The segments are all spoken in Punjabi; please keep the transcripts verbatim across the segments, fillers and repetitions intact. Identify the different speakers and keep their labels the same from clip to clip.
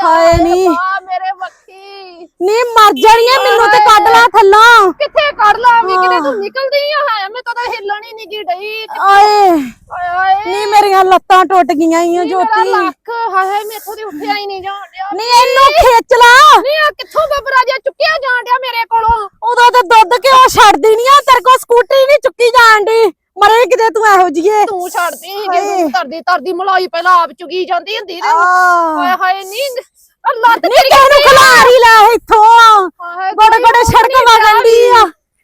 Speaker 1: ਹਾਏ ਨੀ
Speaker 2: ਮੇਰੇ ਬੱਖੀ
Speaker 1: ਨੀ ਮਰ ਜਾਣੀ ਐ ਮੈਨੂੰ ਤੇ ਕੱਢ ਲਾ ਥੱਲੋਂ
Speaker 2: ਕਿੱਥੇ ਕੱਢ ਲਾ ਵੀ ਕਿਤੇ ਤੂੰ ਨਿਕਲਦੀ ਆ ਹੈ ਮੈਂ ਤਾਂ ਹਿੱਲਣ ਹੀ ਨਹੀਂ ਗਈ ਡਈ
Speaker 1: ਆਏ
Speaker 2: ਹਾਏ ਹਾਏ
Speaker 1: ਨੀ ਮੇਰੀਆਂ ਲੱਤਾਂ ਟੁੱਟ ਗਈਆਂ ਈ ਜੋਤੀ
Speaker 2: ਮੇਰਾ ਲੱਕ ਹਾਏ ਹਾਏ ਮੈਥੋਂ ਦੀ ਉੱਠਿਆ ਹੀ ਨਹੀਂ ਜਾਣ ਡਿਆ
Speaker 1: ਨੀ ਇਹਨੂੰ ਖਿੱਚ ਲਾ
Speaker 2: ਨੀ ਆ ਕਿੱਥੋਂ ਬੱਬਰਾ ਜਿਹਾ ਚੁੱਕਿਆ ਜਾਣ ਡਿਆ ਮੇਰੇ ਕੋਲੋਂ
Speaker 1: ਉਦੋਂ ਤੇ ਦੁੱਧ ਕਿਉਂ ਛੱਡਦੀ ਨੀ ਆ ਤੇਰੇ ਕੋਲ ਸਕੂਟਰੀ ਨਹੀਂ ਚੁੱਕੀ ਜਾਣ ਦੀ ਮਰੇ ਕਿਤੇ ਤੂੰ ਇਹੋ ਜੀਏ
Speaker 2: ਤੂੰ ਛੱਡਦੀ ਸੀ ਜਦੋਂ ਧਰਦੀ ਧਰਦੀ ਮਲਾਈ ਪਹਿਲਾਂ ਆਪ ਚੁਗੀ ਜਾਂਦੀ ਹੁੰਦੀ ਤੇ ਹਾਏ ਹਾਏ ਨੀ ਲੱਤ
Speaker 1: ਨੀ ਤੈਨੂੰ ਖਲਾਰੀ ਲੈ ਇੱਥੋਂ ਗੋੜੇ ਗੋੜੇ ਸੜਕ ਵਗਣ ਦੀ ਆ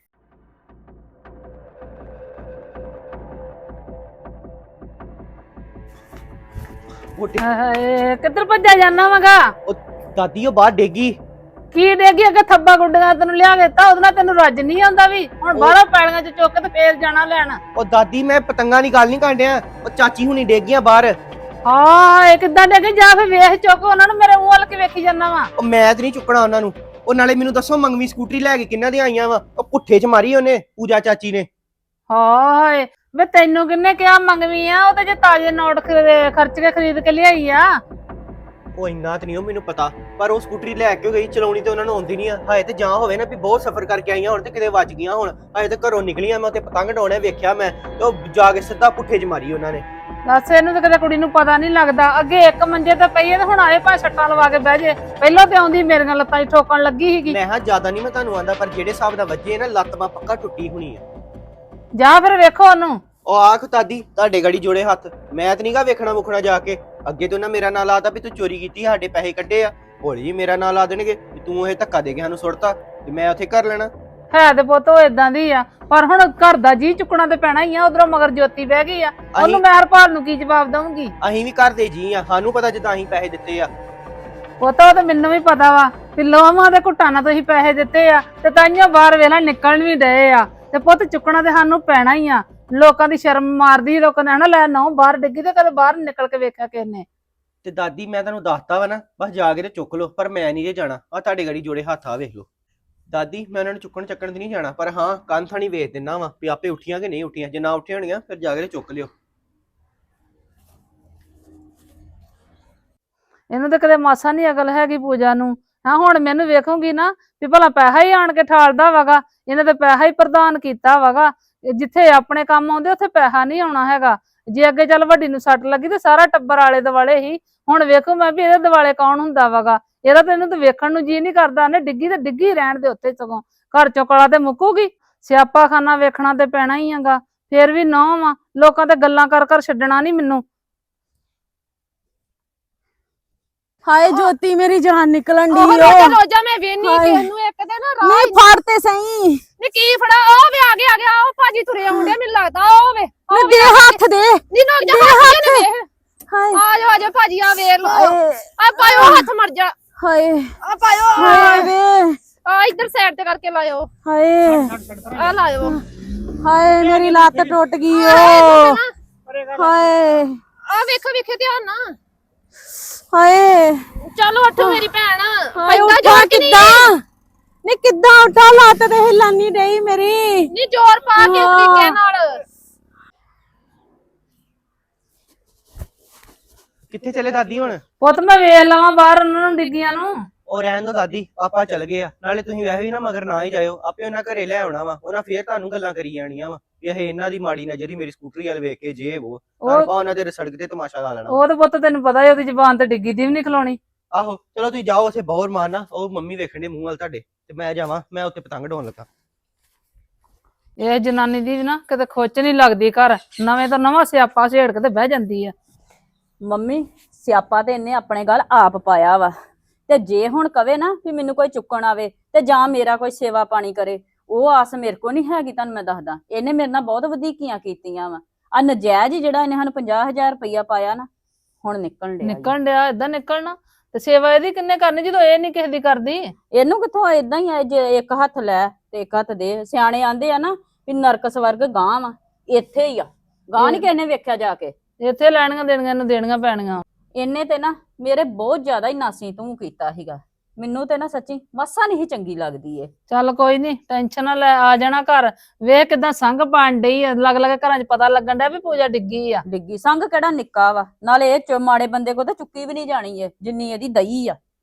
Speaker 3: ਹਾਏ ਕਿੱਧਰ ਭੱਜਾ ਜਾਣਾ ਵਾਗਾ
Speaker 4: ਉਹ ਦਾਦੀ ਉਹ ਬਾਹਰ ਡੇਗੀ
Speaker 3: ਕੀ ਡੇਗੀ ਅੱਗੇ ਥੱਬਾ ਗੁੱਡੀਆਂ ਤੈਨੂੰ ਲਿਆ ਕੇ ਦਿੱਤਾ ਉਹਦੇ ਨਾਲ ਤੈਨੂੰ ਰੱਜ ਨਹੀਂ ਆਉਂਦਾ ਵੀ ਹੁਣ ਬਾਹਰੋਂ ਪੈਲੀਆਂ ਚ ਚੁੱਕ ਤੇ ਫੇਰ ਜਾਣਾ ਲੈਣ
Speaker 4: ਉਹ ਦਾਦੀ ਮੈਂ ਪਤੰਗਾਂ ਦੀ ਗੱਲ ਨਹੀਂ ਕਾਂਡਿਆ ਉਹ ਚਾਚੀ ਹੁਣੀ ਡੇਗੀਆਂ ਬਾਹਰ
Speaker 3: ਹਾਂ ਕਿੱਦਾਂ ਡੇਗੀ ਜਾ ਫੇ ਵੇਖ ਚੁੱਕ ਉਹਨਾਂ ਨੂੰ ਮੇਰੇ ਮੂੰਹ ਵੱਲ ਕੇ ਵੇਖੀ ਜਾਣਾ ਵਾ
Speaker 4: ਉਹ ਮੈਂ ਤੇ ਨਹੀਂ ਚੁੱਕਣਾ ਉਹਨਾਂ ਨੂੰ ਉਹ ਨਾਲੇ ਮੈਨੂੰ ਦੱਸੋ ਮੰਗਵੀ ਸਕੂਟਰੀ ਲੈ ਕੇ ਕਿੰਨਾਂ ਦੀਆਂ ਆਈਆਂ ਵਾ ਉਹ ਪੁੱਠੇ ਚ ਮਾਰੀ ਉਹਨੇ ਪੂਜਾ ਚਾਚੀ ਨੇ
Speaker 3: ਹਾਏ ਵੇ ਤੈਨੂੰ ਕਿੰਨੇ ਕਿਹਾ ਮੰਗਵੀ ਆ ਉਹ ਤੇ ਜੇ ਤਾਜ਼ੇ ਨੋਟ ਖਰਚ ਕੇ ਖਰੀਦ ਕੇ ਲਿਆਈ ਆ
Speaker 4: ਉਹ ਇੰਨਾ ਤੇ ਨਹੀਂ ਉਹ ਮੈਨੂੰ ਪਤਾ ਪਰ ਉਹ ਸਕੂਟਰੀ ਲੈ ਕੇ ਗਈ ਚਲਾਉਣੀ ਤੇ ਉਹਨਾਂ ਨੂੰ ਆਉਂਦੀ ਨਹੀਂ ਆ ਹਾਏ ਤੇ ਜਾਂ ਹੋਵੇ ਨਾ ਵੀ ਬਹੁਤ ਸਫ਼ਰ ਕਰਕੇ ਆਈਆਂ ਹੁਣ ਤੇ ਕਿਤੇ ਵੱਜ ਗਈਆਂ ਹੁਣ ਹਾਏ ਤੇ ਘਰੋਂ ਨਿਕਲੀਆਂ ਮੈਂ ਉੱਥੇ ਪਤੰਗ ਡਾਉਣੇ ਵੇਖਿਆ ਮੈਂ ਤੇ ਉਹ ਜਾ ਕੇ ਸਿੱਧਾ ਪੁੱਠੇ ਚ ਮਾਰੀ ਉਹਨਾਂ ਨੇ
Speaker 3: ਦੱਸ ਇਹਨੂੰ ਤਾਂ ਕਦੇ ਕੁੜੀ ਨੂੰ ਪਤਾ ਨਹੀਂ ਲੱਗਦਾ ਅੱਗੇ ਇੱਕ ਮੰਜੇ ਤੇ ਪਈ ਤੇ ਹੁਣ ਆਏ ਭਾਵੇਂ ਛੱਟਾਂ ਲਵਾ ਕੇ ਬਹਿ ਜੇ ਪਹਿਲਾਂ ਤੇ ਆਉਂਦੀ ਮੇਰੀਆਂ ਲੱਤਾਂ 'ਚ ਠੋਕਣ ਲੱਗੀ ਸੀਗੀ
Speaker 4: ਮੈਂ ਹਾਂ ਜ਼ਿਆਦਾ ਨਹੀਂ ਮੈਂ ਤੁਹਾਨੂੰ ਆਂਦਾ ਪਰ ਜਿਹੜੇ ਹਿਸਾਬ ਦਾ ਵੱਜੇ ਨਾ ਲੱਤ ਮਾ ਪੱਕਾ ਟੁੱਟੀ ਹੋਣੀ ਆ
Speaker 3: ਜਾ ਫਿਰ ਵੇਖੋ ਉਹਨੂੰ
Speaker 4: ਉਹ ਆਖ ਦਾਦੀ ਤੁਹਾਡੇ ਗੜੀ ਜੋੜੇ ਹੱਥ ਮੈਂ ਤੇ ਨਹੀਂਗਾ ਵੇਖਣਾ ਮੁਖਣਾ ਜਾ ਕੇ ਅੱਗੇ ਤੋਂ ਨਾ ਮੇਰਾ ਨਾਂ ਲਾਤਾ ਵੀ ਤੂੰ ਚੋਰੀ ਕੀਤੀ ਸਾਡੇ ਪੈਸੇ ਕੱਢੇ ਆ ਹੌਲੀ ਜੀ ਮੇਰਾ ਨਾਂ ਲਾ ਦੇਣਗੇ ਵੀ ਤੂੰ ਇਹ ਧੱਕਾ ਦੇ ਕੇ ਸਾਨੂੰ ਸੁੱਟਤਾ ਤੇ ਮੈਂ ਉੱਥੇ ਕਰ ਲੈਣਾ
Speaker 3: ਹੈ ਤੇ ਪੁੱਤ ਉਹ ਇਦਾਂ ਦੀ ਆ ਪਰ ਹੁਣ ਘਰ ਦਾ ਜੀ ਚੁੱਕਣਾ ਤੇ ਪੈਣਾ ਹੀ ਆ ਉਧਰੋਂ ਮਗਰ ਜੋਤੀ ਬਹਿ ਗਈ ਆ ਉਹਨੂੰ ਮੈਂ ਹਰਪਾਲ ਨੂੰ ਕੀ ਜਵਾਬ ਦਵਾਂਗੀ
Speaker 4: ਅਸੀਂ ਵੀ ਘਰ ਦੇ ਜੀ ਆ ਸਾਨੂੰ ਪਤਾ ਜਿੱਦਾਂ ਅਸੀਂ ਪੈਸੇ ਦਿੱਤੇ ਆ
Speaker 3: ਪੁੱਤ ਉਹ ਤੇ ਮੈਨੂੰ ਵੀ ਪਤਾ ਵਾ ਵੀ ਲੋਹਾਂ ਦੇ ਘੁੱਟਾਂ ਨਾਲ ਤੁਸੀਂ ਪੈਸੇ ਦਿੱਤੇ ਆ ਤੇ ਤਾਈਆਂ ਬਾਹਰ ਵੇਲਾ ਨਿਕਲਣ ਵੀ ਡਏ ਆ ਤੇ ਪੁੱਤ ਚੁੱਕਣਾ ਤੇ ਸਾਨੂੰ ਪੈਣਾ ਹੀ ਆ ਲੋਕਾਂ ਦੀ ਸ਼ਰਮ ਮਾਰਦੀ ਲੋਕਾਂ ਨੇ ਹਨਾ ਲੈ ਨਾ ਬਾਹਰ ਡਿੱਗੀ ਤੇ ਕਦੇ ਬਾਹਰ ਨਿਕਲ ਕੇ ਵੇਖਿਆ ਕਿਸ ਨੇ
Speaker 4: ਤੇ ਦਾਦੀ ਮੈਂ ਤੁਹਾਨੂੰ ਦੱਸਤਾ ਵਾ ਨਾ ਬਸ ਜਾ ਕੇ ਤੇ ਚੁੱਕ ਲਓ ਪਰ ਮੈਂ ਨਹੀਂ ਜੇ ਜਾਣਾ ਆ ਤੁਹਾਡੇ ਗੜੀ ਜੋੜੇ ਹੱਥ ਆ ਵੇਖ ਲਓ ਦਾਦੀ ਮੈਂ ਉਹਨਾਂ ਨੂੰ ਚੁੱਕਣ ਚੱਕਣ ਤੇ ਨਹੀਂ ਜਾਣਾ ਪਰ ਹਾਂ ਕੰਨ ਥਾਣੀ ਵੇਚ ਦਿੰਦਾ ਵਾ ਵੀ ਆਪੇ ਉੱਠੀਆਂ ਕਿ ਨਹੀਂ ਉੱਠੀਆਂ ਜੇ ਨਾ ਉੱਠੀਆਂ ਹੋਣੀਆਂ ਫਿਰ ਜਾ ਕੇ ਚੁੱਕ ਲਿਓ
Speaker 3: ਇਹਨੂੰ ਤਾਂ ਕਦੇ ਮਾਸਾ ਨਹੀਂ ਅਕਲ ਹੈਗੀ ਪੂਜਾ ਨੂੰ ਹਾਂ ਹੁਣ ਮੈਨੂੰ ਵੇਖੂਗੀ ਨਾ ਵੀ ਭਲਾ ਪੈਸਾ ਹੀ ਆਣ ਕੇ ਠਾਲਦਾ ਵਗਾ ਇਹਨੇ ਤੇ ਪੈਸਾ ਹੀ ਪ੍ਰਦਾਨ ਕੀਤਾ ਵਗਾ ਜਿੱਥੇ ਆਪਣੇ ਕੰਮ ਆਉਂਦੇ ਉੱਥੇ ਪੈਸਾ ਨਹੀਂ ਆਉਣਾ ਹੈਗਾ ਜੇ ਅੱਗੇ ਚੱਲ ਵੱਡੀ ਨੂੰ ਸੱਟ ਲੱਗੀ ਤੇ ਸਾਰਾ ਟੱਬਰ ਆਲੇ ਦੁਆਲੇ ਹੀ ਹੁਣ ਵੇਖੋ ਮੈਂ ਵੀ ਇਹਦੇ ਦੁਆਲੇ ਕੌਣ ਹੁੰਦਾ ਵਗਾ ਇਹਦਾ ਤੇ ਇਹਨੂੰ ਤਾਂ ਵੇਖਣ ਨੂੰ ਜੀ ਨਹੀਂ ਕਰਦਾ ਨੇ ਡਿੱਗੀ ਤੇ ਡਿੱਗੀ ਰਹਿਣ ਦੇ ਉੱਤੇ ਸਗੋਂ ਘਰ ਚੋਂ ਕਲਾ ਤੇ ਮੁੱਕੂਗੀ ਸਿਆਪਾ ਖਾਨਾ ਵੇਖਣਾ ਤੇ ਪੈਣਾ ਹੀ ਹੈਗਾ ਫੇਰ ਵੀ ਨੌ ਵਾ ਲੋਕਾਂ ਤੇ ਗੱਲਾਂ ਕਰ ਕਰ ਛੱਡਣਾ ਨਹੀਂ ਮੈਨੂੰ
Speaker 1: ਹਾਏ ਜੋਤੀ ਮੇਰੀ ਜਾਨ ਨਿਕਲਣ ਦੀ ਓ
Speaker 2: ਰੋਜਾ ਮੈਂ ਵੇਨੀ ਕਿਸ ਨੂੰ ਇੱਕ ਦਿਨ ਰਾਹ
Speaker 1: ਨਹੀਂ ਫੜ ਤੇ ਸਹੀ
Speaker 2: ਨੀ ਕੀ ਫੜਾ ਉਹ ਵੇ ਆ ਗਿਆ ਆ ਗਿਆ ਉਹ ਭਾਜੀ ਤੁਰੇ ਆਉਂਦੇ ਮੈਨੂੰ ਲੱਗਦਾ ਉਹ ਵੇ
Speaker 1: ਨੀ ਦੇ ਹੱਥ ਦੇ
Speaker 2: ਨੀ ਨੋ ਜਾ ਹੱਥ ਵੇਖ
Speaker 1: ਹਾਏ
Speaker 2: ਆ ਜਾ ਆ ਜਾ ਭਾਜੀ ਆ ਵੇਖ ਲੋ ਆ ਪਾਇਓ ਹੱਥ ਮਰ ਜਾ
Speaker 1: ਹਾਏ
Speaker 2: ਆ ਪਾਇਓ
Speaker 1: ਹਾਏ ਵੇ
Speaker 2: ਆ ਇੱਧਰ ਸਾਈਡ ਤੇ ਕਰਕੇ ਲਾਇਓ
Speaker 1: ਹਾਏ
Speaker 2: ਆ ਲਾਇਓ
Speaker 1: ਹਾਏ ਮੇਰੀ ਲੱਤ ਟੁੱਟ ਗਈ ਓ ਹਾਏ
Speaker 2: ਆ ਵੇਖੋ ਵੇਖੋ ਧਿਆਨ ਨਾਲ
Speaker 1: ਹਾਏ
Speaker 2: ਚਲੋ ਉੱਠ ਮੇਰੀ ਭੈਣ
Speaker 1: ਹਾਏ ਉੱਠਾ ਕਿੱਦਾਂ ਨੀ ਕਿੱਦਾਂ ਉੱਠਾ ਲੱਤ ਤੇ ਹਿੱਲਣ ਨਹੀਂ ਡਈ ਮੇਰੀ
Speaker 2: ਨੀ ਜ਼ੋਰ ਪਾ ਕੇ ਤਰੀਕੇ ਨਾਲ
Speaker 4: ਕਿੱਥੇ ਚਲੇ ਦਾਦੀ ਹੁਣ
Speaker 3: ਪੁੱਤ ਮੈਂ ਵੇਖ ਲਵਾਂ ਬਾਹਰ ਉਹਨਾਂ ਨੂੰ ਡਿੱਗੀਆਂ ਨੂੰ
Speaker 4: ਉਹ ਰਹਿਣ ਦੋ ਦਾਦੀ ਆਪਾਂ ਚੱਲ ਗਏ ਆ ਨਾਲੇ ਤੁਸੀਂ ਵੈਸੇ ਵੀ ਨਾ ਮਗਰ ਨਾ ਹੀ ਜਾਇਓ ਆਪੇ ਉਹਨਾਂ ਘਰੇ ਲੈ ਆਉਣਾ ਵਾ ਉਹਨਾਂ ਫੇਰ ਤੁਹਾਨੂੰ ਗੱਲਾਂ ਕਰੀ ਜਾਣੀਆਂ ਵਾ ਇਹ ਇਹਨਾਂ ਦੀ ਮਾੜੀ ਨਜ਼ਰ ਹੀ ਮੇਰੀ ਸਕੂਟਰੀ ਵਾਲ ਵੇਖ ਕੇ ਜੇ ਉਹ ਆਪਾਂ ਉਹਨਾਂ ਦੇ ਸੜਕ ਤੇ ਤਮਾਸ਼ਾ ਲਾ ਲੈਣਾ
Speaker 3: ਉਹ ਤੇ ਪੁੱਤ ਤੈਨੂੰ ਪਤਾ ਹੀ ਉਹਦੀ ਜ਼ਬਾਨ ਤੇ ਡਿੱਗੀ ਦੀ ਵੀ ਨਹੀਂ ਖਲੋਣੀ
Speaker 4: ਆਹੋ ਚਲੋ ਤੁਸੀਂ ਜਾਓ ਉੱਥੇ ਬਹੁਤ ਮਾਰਨਾ ਉਹ ਮੰਮੀ ਵੇਖਣ ਦੇ ਮੂੰਹ ਵੱਲ ਤੁਹਾਡੇ ਤੇ ਮੈਂ ਜਾਵਾਂ ਮੈਂ ਉੱਥੇ ਪਤੰਗ ਡਾਉਣ ਲੱਗਾ
Speaker 3: ਇਹ ਜਨਾਨੀ ਦੀ ਵੀ ਨਾ ਕਿਤੇ ਖੁੱਚ ਨਹੀਂ ਲੱਗਦੀ ਘਰ ਨਵੇਂ ਤੋਂ ਨਵਾਂ ਸਿਆਪਾ ਛੇੜ ਕੇ ਤੇ ਬਹਿ ਜਾਂਦੀ ਆ
Speaker 5: ਮੰਮੀ ਸਿਆਪਾ ਤੇ ਇਹਨੇ ਆਪਣੇ ਗੱਲ ਆਪ ਪਾਇਆ ਵਾ ਤੇ ਜੇ ਹੁਣ ਕਵੇ ਨਾ ਵੀ ਮੈਨੂੰ ਕੋਈ ਚੁੱਕਣ ਆਵੇ ਤੇ ਜਾਂ ਮੇਰਾ ਕੋਈ ਸੇਵਾ ਪਾਣੀ ਕਰੇ ਉਹ ਆਸ ਮੇਰੇ ਕੋ ਨਹੀਂ ਹੈਗੀ ਤੁਹਾਨੂੰ ਮੈਂ ਦੱਸਦਾ ਇਹਨੇ ਮੇਰੇ ਨਾਲ ਬਹੁਤ ਵਧੀਕੀਆਂ ਕੀਤੀਆਂ ਵਾ ਆ ਨਜਾਇਜ਼ ਜਿਹੜਾ ਇਹਨੇ ਸਾਨੂੰ ਪੰਜਾਹ ਹਜ਼ਾਰ ਰੁਪਈਆ ਪਾਇਆ ਨਾ ਹੁਣ ਨਿਕਲਣ ਡਿਆ
Speaker 3: ਨਿਕਲਣ ਡਿਆ ਏਦਾਂ ਨਿਕਲਣਾ ਤੇ ਸੇਵਾ ਇਹਦੀ ਕਿੰਨੇ ਕਰਨੀ ਜਦੋਂ ਇਹ ਨਹੀਂ ਕਿਸੇ ਦੀ ਕਰਦੀ
Speaker 5: ਇਹਨੂੰ ਕਿੱਥੋਂ ਏਦਾਂ ਹੀ ਆ ਜੇ ਇੱਕ ਹੱਥ ਲੈ ਤੇ ਇੱਕ ਹੱਥ ਦੇ ਸਿਆਣੇ ਆਂਦੇ ਆ ਨਾ ਵੀ ਨਰਕ ਸਵਰਗ ਗਾਂ ਵਾ ਇੱਥੇ ਹੀ ਆ ਗਾਂ ਨਹੀਂ ਕਿਸੇ ਨੇ ਵੇਖਿਆ ਜਾ ਕੇ
Speaker 3: ਇੱਥੇ ਲੈਣੀਆਂ ਦੇਣੀਆਂ ਨੂੰ ਦੇਣੀਆਂ ਪੈਣੀਆਂ
Speaker 5: ਇਹਨੇ ਤੇ ਨਾ ਮੇਰੇ ਬਹੁਤ ਜ਼ਿਆਦਾ ਹੀ ਨਾਸੀ ਤੂੰ ਕੀਤਾ ਸੀਗਾ ਮੈਨੂੰ ਤੇ ਨਾ ਸੱਚੀ ਮੱਸਾ ਨਹੀਂ ਚੰਗੀ ਲੱਗਦੀ ਏ
Speaker 3: ਚੱਲ ਕੋਈ ਨਹੀਂ ਟੈਨਸ਼ਨ ਨਾ ਲੈ ਆ ਜਾਣਾ ਘਰ ਵੇਖ ਕਿਦਾਂ ਸੰਗ ਪਾਣ ਡਈ ਅਲੱਗ ਅਲੱਗ ਘਰਾਂ 'ਚ ਪਤਾ ਲੱਗਣ ਡਿਆ ਵੀ ਪੂਜਾ ਡਿੱਗੀ ਆ
Speaker 5: ਡਿੱਗੀ ਸੰਗ ਕਿਹੜਾ ਨਿੱਕਾ ਵਾ ਨਾਲੇ ਇਹ ਚ ਮਾੜੇ ਬੰਦੇ ਕੋ ਤਾਂ ਚੁੱਕੀ ਵੀ ਨਹੀਂ ਜਾਣੀ ਏ ਜਿੰਨੀ ਇਹਦੀ ਦਈ ਆ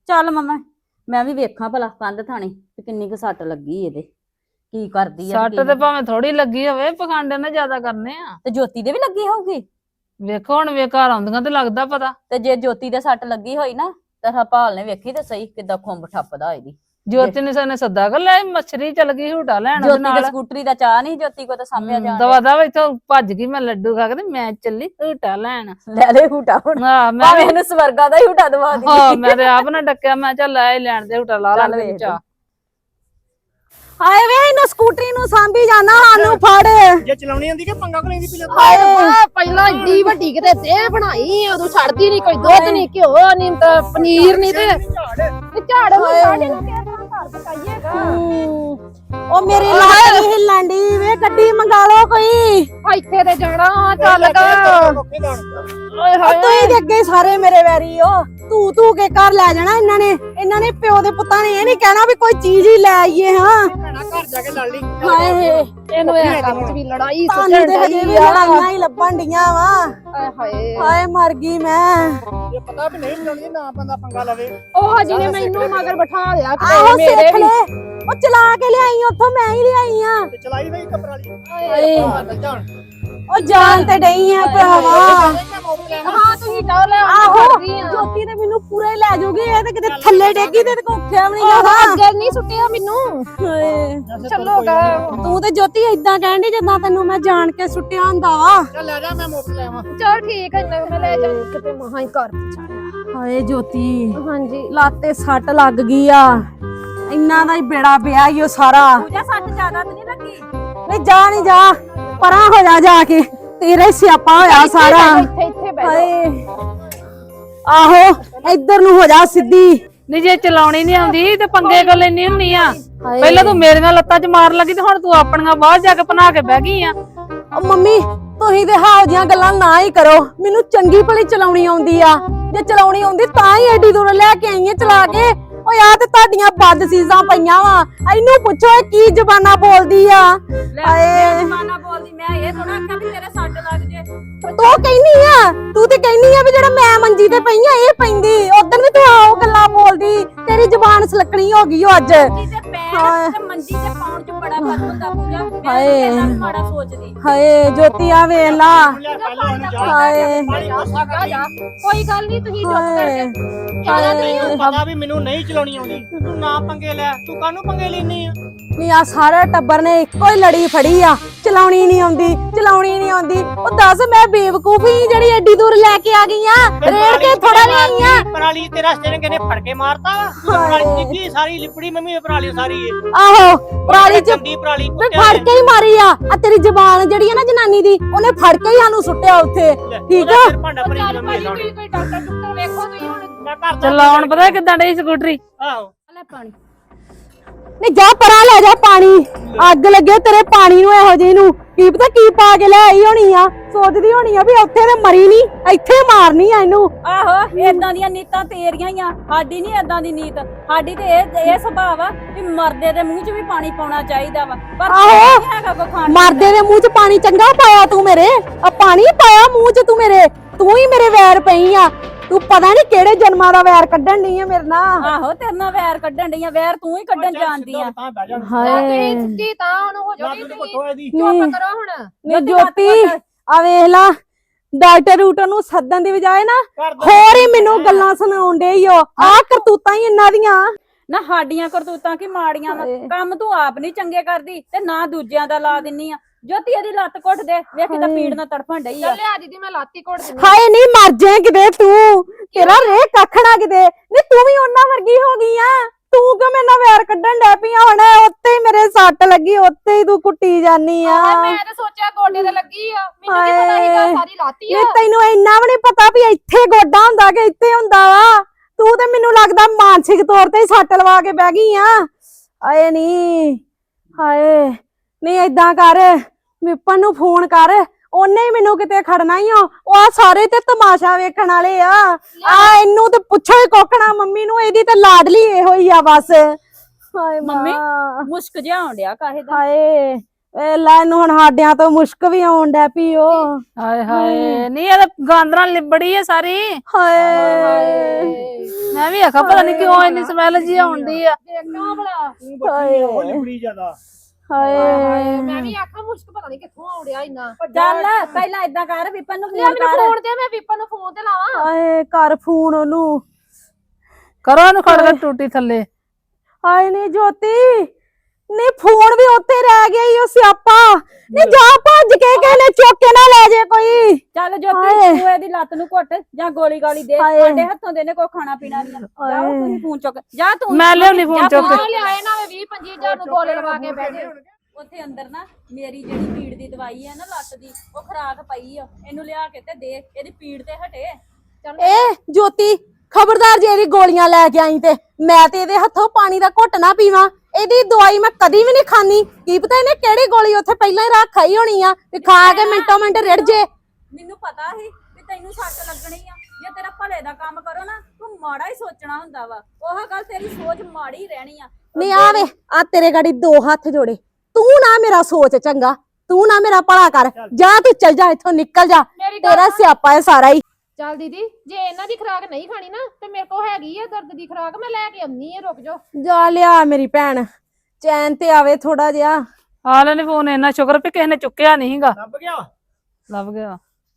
Speaker 5: ਚੱਲ ਮਮਾ ਮੈਂ ਵੀ ਵੇਖਾਂ ਭਲਾ ਕੰਧ ਥਾਣੀ ਤੇ ਕਿੰਨੀ ਕੁ ਸੱਟ ਲੱਗੀ ਇਹਦੇ ਕੀ ਕਰਦੀ ਆ
Speaker 3: ਸੱਟ ਤੇ ਭਾਵੇਂ ਥੋੜੀ ਲੱਗੀ ਹੋਵੇ ਪਖੰਡ ਨੇ ਜ਼ਿਆਦਾ ਕਰਨੇ ਆ
Speaker 5: ਤੇ ਜੋਤੀ ਦੇ ਵੀ ਲੱਗੀ ਹੋਊਗੀ
Speaker 3: ਵੇਖੋ ਹੁਣ ਵੇ ਘਰ ਆਉਂਦੀਆਂ ਤੇ ਲੱਗਦਾ ਪਤਾ
Speaker 5: ਤੇ ਜੇ ਜੋਤੀ ਦੇ ਸੱਟ ਲੱਗੀ ਹੋਈ ਨਾ ਤਾਂ ਹਰਪਾਲ ਨੇ ਵੇਖੀ ਤੇ ਸਹੀ ਕਿੱਦਾਂ ਖੁੰਬ ਠੱਪਦਾ ਇਹਦੀ
Speaker 3: ਜੋਤੀ ਨੇ ਸਾਨੇ ਸੱਦਾ ਕਰ ਲੈ ਮੱਛਰੀ ਚਲ ਗਈ ਝੂਟਾ ਲੈਣ ਉਹਦੇ
Speaker 5: ਜੋਤੀ ਦੇ
Speaker 3: ਨਾਲ
Speaker 5: ਸਕੂਟਰੀ ਦਾ ਚਾਹ ਨਹੀਂ ਜੋਤੀ ਕੋ ਤਾਂ ਸਾਂਭਿਆ ਜਾਣ
Speaker 3: ਦਵਾ ਦਵਾ ਇੱਥੋਂ ਭੱਜ ਗਈ ਮੈਂ ਲੱਡੂ ਖਾ ਕੇ ਤੇ ਮੈਂ ਚੱਲੀ ਝੂਟਾ ਲੈਣ
Speaker 5: ਲੈ ਲੈ ਹੂਟਾ ਹੁਣ
Speaker 3: ਹਾਂ ਮੈਂ
Speaker 5: ਭਾਵੇਂ
Speaker 3: ਵੀ-
Speaker 5: ਇਹਨੂੰ ਸਵਰਗਾ ਦਾ ਹੀ ਹੂਟਾ ਦਵਾ ਦੀ
Speaker 3: ਹਾਂ ਮੈਂ ਤੇ ਆਪ ਨਾ ਡੱਕਿਆ ਮੈਂ ਚੱਲ ਲੈ ਹੀ ਲੈਣ ਦੇ ਝੂਟਾ ਲਾ
Speaker 5: ਚੱਲ
Speaker 3: ਲੈਣ
Speaker 5: ਵੇਖ
Speaker 3: ਚਾ
Speaker 1: ਹਾਏ ਵੇ ਇਹਨੂੰ ਸਕੂਟਰੀ ਨੂੰ ਸਾਂਭੀ ਜਾਣਾ ਸਾਨੂੰ ਫੜ
Speaker 4: ਜੇ ਚਲਾਉਣੀ ਆਂਦੀ ਕਿ ਪੰਗਾ ਕੋ ਲੈਂਦੀ ਪਹਿਲਾਂ
Speaker 2: ਹਾਏ ਰੱਬਾ, ਪਹਿਲਾਂ ਏਡੀ ਵੱਡੀ ਕਿਤੇ ਦੇ ਬਣਾਈ ਉਦੋਂ ਛੱਡਦੀ ਨਹੀਂ ਕੋਈ ਦੁੱਧ ਨਹੀਂ ਘਿਓ ਨਹੀਂ ਤਾਂ ਪਨੀਰ ਨਹੀਂ ਤੇ ਤੇ ਝਾੜ ਨੂੰ ਛੱਡ ਇਹਨੂੰ ਕਿਸ ਤਰ੍ਹਾਂ ਘਰ ਪਕਾਈਏਗਾ
Speaker 1: ਉਹ ਮੇਰੀ ਲੱਤ ਨੀ ਹਿੱਲਣ ਦੀ ਵੇ ਗੱਡੀ ਮੰਗਾ ਲਓ ਕੋਈ
Speaker 2: ਇੱਥੇ ਤੇ ਜਾਣਾ ਚੱਲ ਗਾ ਓਏ
Speaker 1: ਉਹ
Speaker 2: ਹਾਏ
Speaker 1: ਤੁਸੀਂ ਦੇ ਅੱਗੇ ਸਾਰੇ ਮੇਰੇ ਵੈਰੀ ਹੋ ਤੂੰ ਤੂੰ ਕੇ ਘਰ ਲੈ ਜਾਣਾ ਇਹਨਾਂ ਨੇ ਇਹਨਾਂ ਨੇ ਪਿਓ ਦੇ ਪੁੱਤਾਂ ਨੇ ਇਹ ਨਹੀਂ ਕਹਿਣਾ ਵੀ ਕੋਈ ਚੀਜ਼ ਹੀ ਲੈ ਆਈਏ ਹਾਂ
Speaker 4: ਭੈਣਾ ਘਰ ਜਾ ਕੇ ਲੜ ਲਈ
Speaker 1: ਹਾਏ
Speaker 2: ਇਹਨੂੰ ਇਹ ਕੰਮ ਚ ਵੀ ਲੜਾਈ
Speaker 1: ਤੁਹਾਨੂੰ
Speaker 2: ਸੁੱਟਣ
Speaker 1: ਤੇ ਹਜੇ ਵੀ
Speaker 2: ਡਈ ਆ।
Speaker 1: ਲੜਾਈਆਂ ਹੀ ਲੱਭਣ ਡੀਆਂ ਵਾ
Speaker 2: ਹਾਏ ਹਾਏ
Speaker 1: ਹਾਏ ਮਰ ਗਈ ਮੈਂ
Speaker 4: ਜੇ ਪਤਾ ਵੀ ਨਹੀਂ ਚਲਾਉਣੀ ਨਾ ਬੰਦਾ ਪੰਗਾ ਲਵੇ
Speaker 2: ਉਹ ਹਜੀ ਨੇ ਮੈਨੂੰ ਮਗਰ ਬਿਠਾ ਲਿਆ
Speaker 1: ਆਹੋ
Speaker 2: ਕਿਤੇ ਮੇਰੇ
Speaker 1: ਸਿੱਖ
Speaker 2: ਵੀ
Speaker 1: ਲੈ ਉਹ ਚਲਾ ਕੇ ਲਿਆਈ ਉੱਥੋਂ ਮੈਂ ਹੀ ਲਿਆਈ ਆ
Speaker 4: ਤੇ ਚਲਾਈ ਨਹੀਂ ਕਪਰਾਲੀ
Speaker 1: ਹਾਏ
Speaker 4: ਜਾਣ
Speaker 1: ਉਹ ਜਾਨ ਤੇ ਡਈ ਆ ਭਰਾਵਾ
Speaker 2: ਹਾਂ ਤੁਸੀਂ ਜਾਓ ਲੈ
Speaker 1: ਆਹੋ ਜੋਤੀ ਤੇ ਮੈਨੂੰ ਪੂਰਾ ਹੀ ਲੈ ਜਾਊਗੀ ਇਹ ਤੇ ਕਿਤੇ ਥੱਲੇ ਡੇਗੀ ਤੇ ਕੋ ਉੱਠਿਆ ਵੀ ਨਹੀਂ
Speaker 2: ਉਹ
Speaker 1: ਜਾਣਾ
Speaker 2: ਅੱਗੇ ਨਹੀਂ ਸੁੱਟਿਆ ਮੈਨੂੰ
Speaker 1: ਹਾਏ
Speaker 2: ਚੱਲੋ ਗਾ
Speaker 1: ਤੂੰ ਤੇ ਜੋਤੀ ਏਦਾਂ ਕਹਿੰਦੀ ਜਿੱਦਾਂ ਤੈਨੂੰ ਮੈਂ ਜਾਣ ਕੇ ਸੁੱਟਿਆ ਹੁੰਦਾ ਵਾ
Speaker 4: ਚੱਲ ਲੈ ਜਾ ਮੈਂ ਮੋਟਰ ਲੈ ਆਵਾਂ
Speaker 2: ਚਲ ਠੀਕ ਹੈ ਨਾ ਮੈਂ ਲੈ ਜਾਣੀ ਕਿਤੇ ਮਹਾ ਹੀ ਘਰ ਪਹੁੰਚਾਇਆ
Speaker 1: ਹਾਏ ਜੋਤੀ
Speaker 2: ਹਾਂਜੀ
Speaker 1: ਲਾਤੇ ਸੱਟ ਲੱਗ ਗਈ ਆ ਇੰਨਾ ਦਾ ਹੀ ਬੇੜਾ ਪਿਆ ਈ ਉਹ ਸਾਰਾ
Speaker 5: ਪੂਜਾ ਸੱਟ ਜ਼ਿਆਦਾ ਤੇ ਨਹੀਂ ਲੱਗੀ
Speaker 1: ਨਹੀਂ ਜਾ ਨਹੀਂ ਜਾ ਪਰਾਂ ਹੋ ਜਾ ਜਾ ਕੇ ਤੇਰਾ ਹੀ ਸਿਆਪਾ ਹੋਇਆ ਸਾਰਾ
Speaker 2: ਇੱਥੇ ਇੱਥੇ ਬਹਿ ਜਾਓ
Speaker 1: ਹਾਏ ਆਹੋ ਇੱਧਰ ਨੂੰ ਹੋ ਜਾ ਸਿੱਧੀ
Speaker 3: ਨਹੀਂ ਜੇ ਚਲਾਉਣੀ ਨਹੀਂ ਆਉਂਦੀ ਤੇ ਪੰਗੇ ਕਰ ਲੈਣੀ ਹੁੰਨੀ ਆ ਪਹਿਲਾਂ ਤੂੰ ਮੇਰੀਆਂ ਲੱਤਾਂ 'ਚ ਮਾਰ ਲੱਗੀ ਤੇ ਹੁਣ ਤੂੰ ਆਪਣੀਆਂ ਬਾਹਰ ਜਾ ਕੇ ਬਣਾ ਕੇ ਬਹਿ ਗਈ ਆ
Speaker 1: ਉਹ ਮੰਮੀ ਤੁਸੀਂ ਤੇ ਹਾਉ ਜੀਆਂ ਗੱਲਾਂ ਨਾ ਹੀ ਕਰੋ ਮੈਨੂੰ ਚੰਗੀ ਭਲੀ ਚਲਾਉਣੀ ਆਉਂਦੀ ਆ ਜੇ ਚਲਾਉਣੀ ਆਉਂਦੀ ਤਾਂ ਹੀ ਐਡੀ ਦੂਰ ਲੈ ਕੇ ਆਈ ਆ ਚਲਾ ਕੇ ਓ ਯਾਰ ਤੇ ਤੁਹਾਡੀਆਂ ਬਦ ਸੀਜ਼ਾਂ ਪਈਆਂ ਵਾ ਇਹਨੂੰ ਪੁੱਛੋ ਇਹ ਕੀ ਜ਼ਬਾਨਾਂ ਬੋਲਦੀ ਆ ਹਾਏ
Speaker 5: ਮਾਨਾ ਬੋਲਦੀ ਮੈਂ ਇਹ ਥੋੜਾ ਆਖਿਆ ਵੀ ਤੇਰੇ ਸੱਟ ਲੱਗ ਜੇ
Speaker 1: ਤੂੰ ਕਹਿੰਦੀ ਆ ਤੂੰ ਤੇ ਕਹਿੰਦੀ ਆ ਵੀ ਜਿਹੜਾ ਮੈਂ ਮੰਜੀ ਤੇ ਪਈ ਆ ਇਹ ਪੈਂਦੀ ਉਦੋਂ ਵੀ ਤੂੰ ਆਓ ਗੱਲਾਂ ਬੋਲਦੀ ਤੇਰੀ ਜ਼ਬਾਨ ਸਲਕਣੀ ਹੋ ਗਈ ਓ ਅੱਜ
Speaker 5: ਮੰਜੀ ਤੇ ਪੈਰ ਤੇ ਮੰਜੀ ਤੇ ਪਾਉਣ ਚ ਬੜਾ ਫਰਕ ਹੁੰਦਾ ਪੂਜਾ ਮੈਂ
Speaker 1: ਹਾਏ।
Speaker 5: ਤੇਰੇ ਨਾਲ ਮਾੜਾ ਸੋਚਦੀ
Speaker 1: ਹਾਏ ਜੋਤੀ ਆ ਵੇਖ ਲਾ
Speaker 4: ਲੈ ਪਹਿਲਾਂ ਉਹਨੂੰ ਜਾ
Speaker 1: ਹਾਏ
Speaker 4: ਪਾਣੀ ਕੋਸਾ ਕਰ
Speaker 2: ਜਾ ਕੋਈ ਗੱਲ ਨਹੀਂ ਤੁਸੀਂ ਚੁੱਪ
Speaker 1: ਹਾਏ
Speaker 2: ਕਰਕੇ ਜ਼ਿਆਦਾ ਨਹੀਂ
Speaker 1: ਹਾਏ
Speaker 4: ਪਤਾ ਵੀ ਮੈਨੂੰ ਨਹੀਂ ਚਲਾਉਣੀ ਆਉਂਦੀ ਤੂੰ ਨਾ ਪੰਗੇ ਲੈ ਤੂੰ ਕਾਹਨੂੰ ਪੰਗੇ ਲੈਣੀ ਆ
Speaker 1: ਨੀ ਆ ਸਾਰਾ ਟੱਬਰ ਨੇ ਇੱਕੋ ਹੀ ਲੜੀ ਫੜੀ ਆ ਚਲਾਉਣੀ ਨਹੀਂ ਆਉਂਦੀ ਚਲਾਉਣੀ ਨਹੀਂ ਆਉਂਦੀ ਉਹ ਦੱਸ ਮੈਂ ਬੇਵਕੂਫ ਹੀ ਜਿਹੜੀ ਐਡੀ ਦੂਰ ਲੈ ਕੇ ਆ ਗਈ ਆ ਰੇੜ ਕੇ ਥੋੜਾ ਲਿਆਈ ਆ
Speaker 4: ਪਰਾਲੀ ਤੇ ਰਸਤੇ ਨੇ ਕਹਿੰਦੇ ਫੜ ਕੇ ਮਾਰਤਾ ਵਾ ਪਰਾਲੀ ਡਿੱਗੀ ਸਾਰੀ ਲਿਪੜੀ ਮੰਮੀ ਇਹ ਪਰਾਲੀ ਸਾਰੀ ਏ
Speaker 1: ਆਹੋ ਪਰਾਲੀ ਚ
Speaker 4: ਗੰਦੀ ਪਰਾਲੀ
Speaker 1: ਤੇ ਫੜ ਕੇ ਹੀ ਮਾਰੀ ਆ ਆ ਤੇਰੀ ਜ਼ਬਾਨ ਜਿਹੜੀ ਆ ਨਾ ਜਨਾਨੀ ਦੀ ਉਹਨੇ ਫੜ ਕੇ ਹੀ ਸਾਨੂੰ ਸੁੱਟਿਆ ਉੱਥੇ ਠੀਕ ਆ
Speaker 4: ਭਾਂਡਾ ਭਰੀ
Speaker 2: ਚੱਲ
Speaker 4: ਮੰਮੀ
Speaker 2: ਭਾਜੀ ਤੁਸੀਂ ਕੋਈ ਡਾਕਟਰ ਡਾਕਟਰ ਵੇਖੋ ਤੁਸੀਂ ਹੁਣ
Speaker 4: ਮੈਂ ਘਰ ਦਾ
Speaker 3: ਚਲਾਉਣ ਪਤਾ ਕਿੱਦਾਂ ਡਈ ਸਕੂਟਰੀ
Speaker 4: ਆਹੋ
Speaker 2: ਲੈ ਪਾਣੀ
Speaker 1: ਨਹੀਂ ਜਾ ਪਰਾਂ ਲੈ ਜਾ ਪਾਣੀ ਅੱਗ ਲੱਗੇ ਤੇਰੇ ਪਾਣੀ ਨੂੰ ਇਹੋ ਜਿਹੀ ਨੂੰ ਕੀ ਪਤਾ ਕੀ ਪਾ ਕੇ ਲੈ ਆਈ ਹੋਣੀ ਆ ਸੋਚਦੀ ਹੋਣੀ ਆ ਵੀ ਉੱਥੇ ਤੇ ਮਰੀ ਨਹੀਂ ਇੱਥੇ ਮਾਰਨੀ ਆ ਇਹਨੂੰ
Speaker 5: ਆਹੋ ਏਦਾਂ ਦੀਆਂ ਨੀਤਾਂ ਤੇਰੀਆਂ ਹੀ ਆ ਸਾਡੀ ਨਹੀਂ ਏਦਾਂ ਦੀ ਨੀਤ ਸਾਡੀ ਤੇ ਇਹ ਇਹ ਸੁਭਾਅ ਆ ਵੀ ਮਰਦੇ ਦੇ ਮੂੰਹ 'ਚ ਵੀ ਪਾਣੀ ਪਾਉਣਾ ਚਾਹੀਦਾ ਵਾ ਪਰ
Speaker 1: ਆਹੋ।
Speaker 5: ਨਹੀਂ ਹੈਗਾ ਕੋ ਖਾਣ
Speaker 1: ਮਰਦੇ ਦੇ ਮੂੰਹ 'ਚ ਪਾਣੀ ਚੰਗਾ ਪਾਇਆ ਤੂੰ ਮੇਰੇ ਆ ਪਾਣੀ ਪਾਇਆ ਮੂੰਹ 'ਚ ਤੂੰ ਮੇਰੇ ਤੂੰ ਹੀ ਮੇਰੇ ਵੈਰ ਪਈ ਆ ਤੂੰ ਪਤਾ ਨਹੀਂ ਕਿਹੜੇ ਜਨਮਾਂ ਦਾ ਵੈਰ ਕੱਢਣ ਡਈ ਆ ਮੇਰੇ ਨਾਲ
Speaker 5: ਆਹੋ ਤੇਰੇ ਨਾਲ ਵੈਰ ਕੱਢਣ ਡਈਆਂ ਵੈਰ ਤੂੰ ਹੀ ਕੱਢਣ ਜਾਣਦੀ ਆ
Speaker 4: ਤਾਂ ਬਹਿ ਜਾ
Speaker 1: ਹਾਏ
Speaker 2: ਤੁਸੀਂ ਸਿੱਧੀ ਤਾਂ ਹੁਣ ਹੋ ਜਾਓਗੀ
Speaker 4: ਲੱਤ
Speaker 2: ਤੁਸੀਂ
Speaker 4: ਘੁੱਟੋ ਇਹਦੀ
Speaker 2: ਚੁੱਪ ਕਰੋ ਹੁਣ
Speaker 1: ਨੀ ਜੋਤੀ ਆ ਵੇਖ ਲਾ ਡਾਕਟਰ ਰੂਟਰ ਨੂੰ ਸੱਦਣ ਦੀ ਬਜਾਏ ਨਾ
Speaker 4: ਘਰ ਦਾ
Speaker 1: ਹੋਰ ਹੀ ਮੈਨੂੰ ਗੱਲਾਂ ਸੁਣਾਉਣ ਡੇ ਈ ਓ ਆ ਕਰਤੂਤਾਂ ਹੀ ਇਹਨਾਂ ਦੀਆਂ
Speaker 5: ਨਾ ਸਾਡੀਆਂ ਕਰਤੂਤਾਂ ਕੀ ਮਾੜੀਆਂ ਵਾ ਕੰਮ ਤੂੰ ਆਪ ਨਹੀਂ ਚੰਗੇ ਕਰਦੀ ਤੇ ਨਾ ਦੂਜਿਆਂ ਦਾ ਲਾ ਦਿੰਨੀ ਆ ਜੋਤੀ ਇਹਦੀ ਲੱਤ ਘੁੱਟ ਦੇ ਵੇਖ ਕਿਦਾਂ ਪੀੜ ਨਾਲ ਤੜਫਣ ਡਈ ਆ
Speaker 2: ਚੱਲ ਲਿਆ ਦੀਦੀ ਮੈਂ ਲਾਤੀ ਕੋੜ ਦਿੰਦੀ
Speaker 1: ਹਾਏ ਨਹੀਂ ਮਰ ਜਾਏ ਕਿਤੇ ਤੂੰ ਤੇਰਾ ਰੇ ਕੱਖਣਾ ਕਿਤੇ ਨਹੀਂ ਤੂੰ ਵੀ ਉਹਨਾਂ ਵਰਗੀ ਹੋ ਗਈ ਆ ਤੂੰ ਕਿਉਂ ਮੇਰੇ ਨਾਲ ਵੈਰ ਕੱਢਣ ਡੈ ਪਈ ਆ ਹੁਣ ਉੱਤੇ ਹੀ ਮੇਰੇ ਸੱਟ ਲੱਗੀ ਉੱਤੇ ਹੀ ਤੂੰ ਕੁੱਟੀ ਜਾਨੀ ਆ
Speaker 2: ਮੈਂ ਤਾਂ ਸੋਚਿਆ ਗੋਡੇ ਤੇ ਲੱਗੀ ਆ ਮੈਨੂੰ ਕੀ ਪਤਾ ਸੀਗਾ ਸਾਰੀ ਲਾਤੀ ਆ
Speaker 1: ਇਹ ਤੈਨੂੰ ਇੰਨਾ ਵੀ ਨਹੀਂ ਪਤਾ ਵੀ ਇੱਥੇ ਗੋਡਾ ਹੁੰਦਾ ਕਿ ਇੱਥੇ ਹੁੰਦਾ ਵਾ ਤੂੰ ਤੇ ਮੈਨੂੰ ਲੱਗਦਾ ਮਾਨਸਿਕ ਤੌਰ ਤੇ ਹੀ ਸੱਟ ਲਵਾ ਕੇ ਬਹਿ ਗਈ ਆ ਆਏ ਨਹੀਂ ਹਾਏ ਨਹੀਂ ਏਦਾਂ ਕਰ ਵਿਪਨ ਨੂੰ ਫੋਨ ਕਰ ਉਹਨੇ ਹੀ ਮੈਨੂੰ ਕਿਤੇ ਖੜਨਾ ਹੀ ਆ ਉਹ ਆ ਸਾਰੇ ਤੇ ਤਮਾਸ਼ਾ ਵੇਖਣ ਵਾਲੇ ਆ ਆ ਇਹਨੂੰ ਤੇ ਪੁੱਛੋ ਹੀ ਕੋਕਣਾ ਮੰਮੀ ਨੂੰ ਇਹਦੀ ਤੇ ਲਾਡਲੀ ਇਹੋ ਹੀ ਆ ਬਸ ਹਾਏ
Speaker 5: ਮੰਮੀ?
Speaker 1: ਮਾਂ।
Speaker 5: ਮੁਸ਼ਕ ਜਿਹਾ ਆਉਣ ਡਿਆ ਕਾਹੇ ਦਾ
Speaker 1: ਹਾਏ ਵੇਲਾ ਇਹਨੂੰ ਹੁਣ ਸਾਡਿਆਂ ਤੋਂ ਮੁਸ਼ਕ ਵੀ ਆਉਣ ਡੈ ਪਈ ਓ
Speaker 3: ਹਾਏ ਹਾਏ ਨਹੀਂ ਇਹ ਤਾਂ ਗਾਂਦਰਾਂ ਲਿਬੜੀ ਆ ਸਾਰੀ।
Speaker 1: ਹਾਏ
Speaker 3: ਮੈਂ ਵੀ ਆਖਾ ਪਤਾ ਨਹੀਂ ਕਿਉਂ ਇੰਨੀ ਸਮੈਲ ਜੀ ਆਉਂਦੀ ਆ।
Speaker 2: ਦੇਖਾਂ ਭਲਾ
Speaker 1: ਹਾਏ ਹਾਏ
Speaker 2: ਮੈਂ ਵੀ ਆਖਾਂ ਮੁਸ਼ਕ ਪਤਾ ਨਹੀਂ ਕਿੱਥੋਂ ਆਉੜਿਆ ਇੰਨਾ।
Speaker 5: ਚੱਲ ਪਹਿਲਾਂ ਏਦਾਂ ਕਰ ਵਿਪਨ ਨੂੰ
Speaker 2: ਯਾਰ
Speaker 5: ਫੋਨ
Speaker 2: ਮੈਨੂੰ
Speaker 5: ਕਰ।
Speaker 2: ਫੋਨ ਤੇ ਮੈਂ ਵਿਪਨ ਨੂੰ ਫੋਨ ਤੇ ਲਾਵਾਂ।
Speaker 1: ਹਾਏ ਕਰ ਫੋਨ ਉਹਨੂੰ।
Speaker 3: ਕਰੋ ਇਹਨੂੰ ਖੜ ਕੇ ਟੂਟੀ ਥੱਲੇ।
Speaker 1: ਹਾਏ ਨੀ ਜੋਤੀ ਨੀ ਫੋਨ ਵੀ ਉੱਥੇ ਰਹਿ ਗਿਆ ਈ ਉਹ ਸਿਆਪਾ। ਨੀ ਜਾ ਭੱਜ ਕੇ ਕਿਸੇ ਨੇ ਚੁੱਕ ਕੇ ਨਾ ਲੈ ਜੇ ਕੋਈ।
Speaker 5: ਚੱਲ ਜੋਤੀ
Speaker 1: ਹਾਏ।
Speaker 5: ਤੂੰ ਇਹਦੀ ਲੱਤ ਨੂੰ ਘੁੱਟ ਜਾਂ ਗੋਲੀ ਗਾਲੀ ਦੇ
Speaker 1: ਹਾਏ।
Speaker 5: ਸਾਡੇ ਹੱਥੋਂ ਦੇ ਨੇ ਕੋਈ ਖਾਣਾ ਪੀਣਾ ਨਹੀਂ। ਜਾਓ ਤੁਸੀਂ ਫੋਨ ਚੁੱਕ ਜਾ ਤੂੰ।
Speaker 3: ਮੈਂ ਲਿਆਉਣੀ ਫੋਨ ਚੁੱਕ ਕੇ।
Speaker 2: ਆ ਲਿਆਏ ਨਾ ਵੀਹ ਪੰਜੀ ਹਜ਼ਾਰ ਨੂੰ ਗੋਲੇ ਲਵਾ ਕੇ ਬਹਿ ਗਏ।
Speaker 5: ਉੱਥੇ ਅੰਦਰ ਨਾ ਮੇਰੀ ਜਿਹੜੀ ਪੀੜ ਦੀ ਦਵਾਈ ਹੈ ਨਾ ਲੱਤ ਦੀ ਉਹ ਖਰਾਕ ਪਈ ਆ ਇਹਨੂੰ ਲਿਆ ਕੇ ਤੇ ਦੇ ਇਹਦੀ ਪੀੜ ਤੇ ਹਟੇ।
Speaker 1: ਏ ਜੋਤੀ ਖਬਰਦਾਰ ਜੇ ਇਹਦੀ ਗੋਲੀਆਂ ਲੈ ਕੇ ਆਈ ਤੇ ਮੈਂ ਤੇ ਇਹਦੇ ਹੱਥੋਂ ਪਾਣੀ ਦਾ ਘੁੱਟ ਨਾ ਪੀਵਾਂ। ਇਹਦੀ ਦਵਾਈ ਮੈਂ ਕਦੀ ਵੀ ਨਹੀਂ ਖਾਣੀ। ਕੀ ਪਤਾ ਇਹਨੇ ਕਿਹੜੀ ਗੋਲੀ ਉੱਥੇ ਪਹਿਲਾਂ ਹੀ ਰੱਖ ਆਈ ਹੋਣੀ ਆ ਵੀ ਖਾ ਕੇ ਮਿੰਟੋ ਮਿੰਟ ਰਿੜ ਜੇ।
Speaker 5: ਮੈਨੂੰ ਪਤਾ ਸੀ ਵੀ ਤੈਨੂੰ ਸੱਟ ਲੱਗਣੀ ਆ। ਜੇ ਤੇਰਾ ਭਲੇ ਦਾ ਕੰਮ ਕਰੋ ਨਾ ਤੂੰ ਮਾੜਾ ਹੀ ਸੋਚਣਾ ਹੁੰਦਾ ਵਾ। ਉਹ ਗੱਲ ਤੇਰੀ ਸੋਚ ਮਾੜੀ ਰਹਿਣੀ ਆ।
Speaker 1: ਨਹੀਂ ਆ ਵੇ ਆ ਤੇਰੇ ਗਾੜੀ ਦੋ ਹੱਥ ਜੋੜੇ। ਤੂੰ ਨਾ ਮੇਰਾ ਸੋਚ ਚੰਗਾ ਤੂੰ ਨਾ ਮੇਰਾ ਭਲਾ ਕਰ। ਜਾ ਤੂੰ ਚੱਲ ਜਾ ਇੱਥੋਂ ਨਿਕਲ ਜਾ।
Speaker 2: ਮੇਰੀ ਗੱਲ
Speaker 1: ਤੇਰਾ ਸਿਆਪਾ ਹੈ ਸਾਰਾ ਹੀ।
Speaker 2: ਚੱਲ ਦੀਦੀ ਜੇ ਇਹਨਾਂ ਦੀ ਖੁਰਾਕ ਨਹੀਂ ਖਾਣੀ ਨਾ ਤੇ ਮੇਰੇ ਕੋਲ ਹੈਗੀ ਆ ਦਰਦ ਦੀ ਖੁਰਾਕ ਮੈਂ ਲੈ ਕੇ ਆਉਣੀ ਆ। ਰੁਕ ਜਾਓ
Speaker 1: ਜਾ ਲਿਆ ਮੇਰੀ ਭੈਣ ਚੈਨ ਤੇ ਆਵੇ ਥੋੜਾ ਜਿਹਾ।
Speaker 3: ਆ ਲੈਣੇ ਫੋਨ। ਇੰਨਾ ਸ਼ੁਕਰ ਵੀ ਕਿਸੇ ਨੇ ਚੁੱਕਿਆ ਨਹੀਂ ਸੀਗਾ।
Speaker 4: ਲੱਭ ਗਿਆ
Speaker 3: ਲੱਭ ਗਿਆ।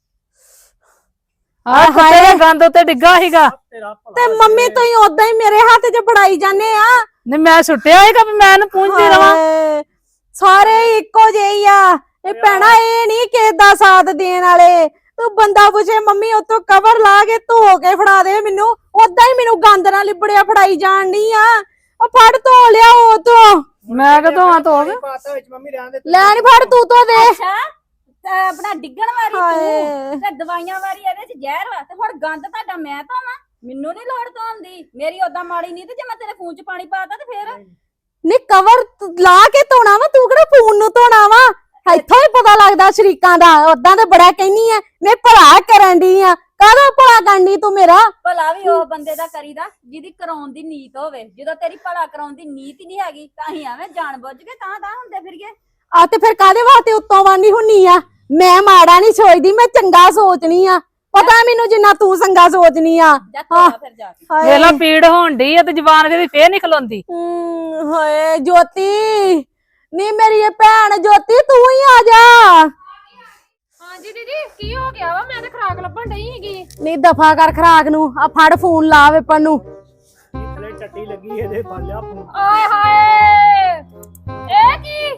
Speaker 3: ਆ ਹਾਏ ਗੰਦ ਉੱਤੇ ਡਿੱਗਾ ਸੀਗਾ।
Speaker 4: ਤੇਰਾ ਭਲਾ
Speaker 1: ਤੇ ਮੰਮੀ ਤੁਸੀਂ ਉਦਾਂ ਹੀ ਮੇਰੇ ਹੱਥ 'ਚ ਫੜਾਈ ਜਾਂਦੇ ਆ।
Speaker 3: ਨਹੀਂ ਮੈਂ ਸੁੱਟਿਆ ਸੀਗਾ ਵੀ ਮੈਂ ਇਹਨੂੰ ਪੂੰਝਦੀ ਰਵਾਂ।
Speaker 1: ਹਾਏ, ਸਾਰੇ ਇੱਕੋ ਜਿਹੇ ਹੀ ਆ। ਇਹ ਭੈਣਾ ਇਹ ਨਹੀਂ ਕਿਸੇ ਦਾ ਸਾਥ ਦੇਣ ਵਾਲੇ। ਤੂੰ ਬੰਦਾ ਪੁੱਛੇ ਮੰਮੀ ਉਤੋਂ ਕਵਰ ਲਾ ਕੇ ਧੋ ਕੇ ਫੜਾ ਦੇ ਮੈਨੂੰ। ਉਦਾਂ ਹੀ ਮੈਨੂੰ ਗੰਦ ਨਾਲ ਲਿਬੜਿਆ ਫੜਾਈ ਜਾਣ ਡਈ ਆ। ਉਹ ਫੜ ਧੋ ਲਿਆ ਉਹ ਤੋਂ।
Speaker 3: ਮੈਂ ਕਿਦੋਂ ਆ ਧੋ ਕੇ
Speaker 4: ਪਾਤਾ ਵਿੱਚ ਮੰਮੀ ਰਹਿਣ ਦੇ।
Speaker 1: ਲੈ ਨੀ ਫੜ ਤੂੰ ਧੋ ਦੇ।
Speaker 5: ਅੱਛਾ ਤੇ ਆਪਣਾ ਡਿੱਗਣ ਵਾਰੀ
Speaker 1: ਹਾਏ।
Speaker 5: ਤੂੰ ਤੇ ਦਵਾਈਆਂ ਵਾਰੀ ਇਹਦੇ ਚ ਜ਼ਹਿਰ ਵਾ ਤੇ ਹੁਣ ਗੰਦ ਤੁਹਾਡਾ ਮੈਂ ਧੋਵਾਂ। ਮੈਨੂੰ ਨਹੀਂ ਲੋੜ ਧੋਣ ਦੀ। ਮੇਰੀ ਓਦਾਂ ਮਾੜੀ ਨਹੀਂ ਤੇ ਜੇ ਮੈਂ ਤੇਰੇ ਫੋਨ ਚ ਪਾਣੀ ਪਾਤਾ ਤੇ ਫੇਰ
Speaker 1: ਨੀ ਕਵਰ ਤੂੰ ਲਾ ਕੇ ਧੋਣਾ ਵਾ। ਤੂੰ ਕਿਹੜਾ ਫੋਨ ਨੂੰ ਧੋਣਾ ਵਾ। ਇੱਥੋਂ ਹੀ ਪਤਾ ਲੱਗਦਾ ਸ਼ਰੀਕਾਂ ਦਾ। ਉਦਾਂ ਤੇ ਬੜਾ ਕਹਿਨੀ ਆ ਮੈਂ ਭਲਾ ਕਰਨ ਦੀ ਆ। ਕਾਹਦਾ ਭਲਾ ਕਰਨੀ ਤੂੰ ਮੇਰਾ।
Speaker 5: ਭਲਾ ਵੀ ਉਹ ਬੰਦੇ ਦਾ ਕਰੀਦਾ ਜਿਹਦੀ ਕਰਾਉਣ ਦੀ ਨੀਤ ਹੋਵੇ। ਜਦੋਂ ਤੇਰੀ ਭਲਾ ਕਰਾਉਣ ਦੀ ਨੀਤ ਹੀ ਨਹੀਂ ਹੈਗੀ ਤਾਂ ਹੀ ਐਵੇਂ ਜਾਣ ਬੁੱਝ ਕੇ ਤਾਂ ਤਾਂ ਹੁੰਦੇ ਫਿਰੀਏ।
Speaker 1: ਆ ਤੇ ਫਿਰ ਕਾਹਦੇ ਵਾਸਤੇ ਉੱਤੋਂ ਵਾਂਡੀ ਹੁੰਨੀ ਆ। ਮੈਂ ਮਾੜਾ ਨਹੀਂ ਸੋਚਦੀ ਮੈਂ ਚੰਗਾ ਸੋਚਣੀ ਆ। ਪਤਾ ਮੈਨੂੰ ਜਿੰਨਾ ਤੂੰ ਚੰਗਾ ਸੋਚਣੀ ਆ।
Speaker 5: ਜਾ ਧੋਲਾ ਫਿਰ ਜਾ ਕੇ।
Speaker 1: ਹਾਏ
Speaker 3: ਵੇਲਾ ਪੀੜ ਹੋਣ ਡਈ ਆ ਤੇ ਜ਼ਬਾਨ ਜਿਹਦੀ ਫੇਰ ਨਹੀਂ ਖਲੋਂਦੀ।
Speaker 1: ਹਮ, ਹਾਏ ਜੋਤੀ ਨੀ ਮੇਰੀ ਇਹ ਭੈਣ ਜੋਤੀ ਤੂੰ ਹੀ ਆ ਜਾ।
Speaker 2: ਹਾਂਜੀ ਦੀਦੀ ਕੀ ਹੋ ਗਿਆ ਵਾ ਮੈਂ ਤੇ ਖੁਰਾਕ ਲੱਭਣ ਡਈ ਹੈਗੀ।
Speaker 1: ਨੀ ਦਫਾ ਕਰ ਖਰਾਕ ਨੂੰ। ਆ ਫੜ ਫੋਨ ਲਾ ਵੇਪਨ ਨੂੰ।
Speaker 4: ਥਲੇ ਚੱਟੀ ਲੱਗੀ ਇਹਦੇ ਬਾਲਿਆ ਫੋਨ।
Speaker 2: ਆਏ ਹਾਏ ਇਹ ਕੀ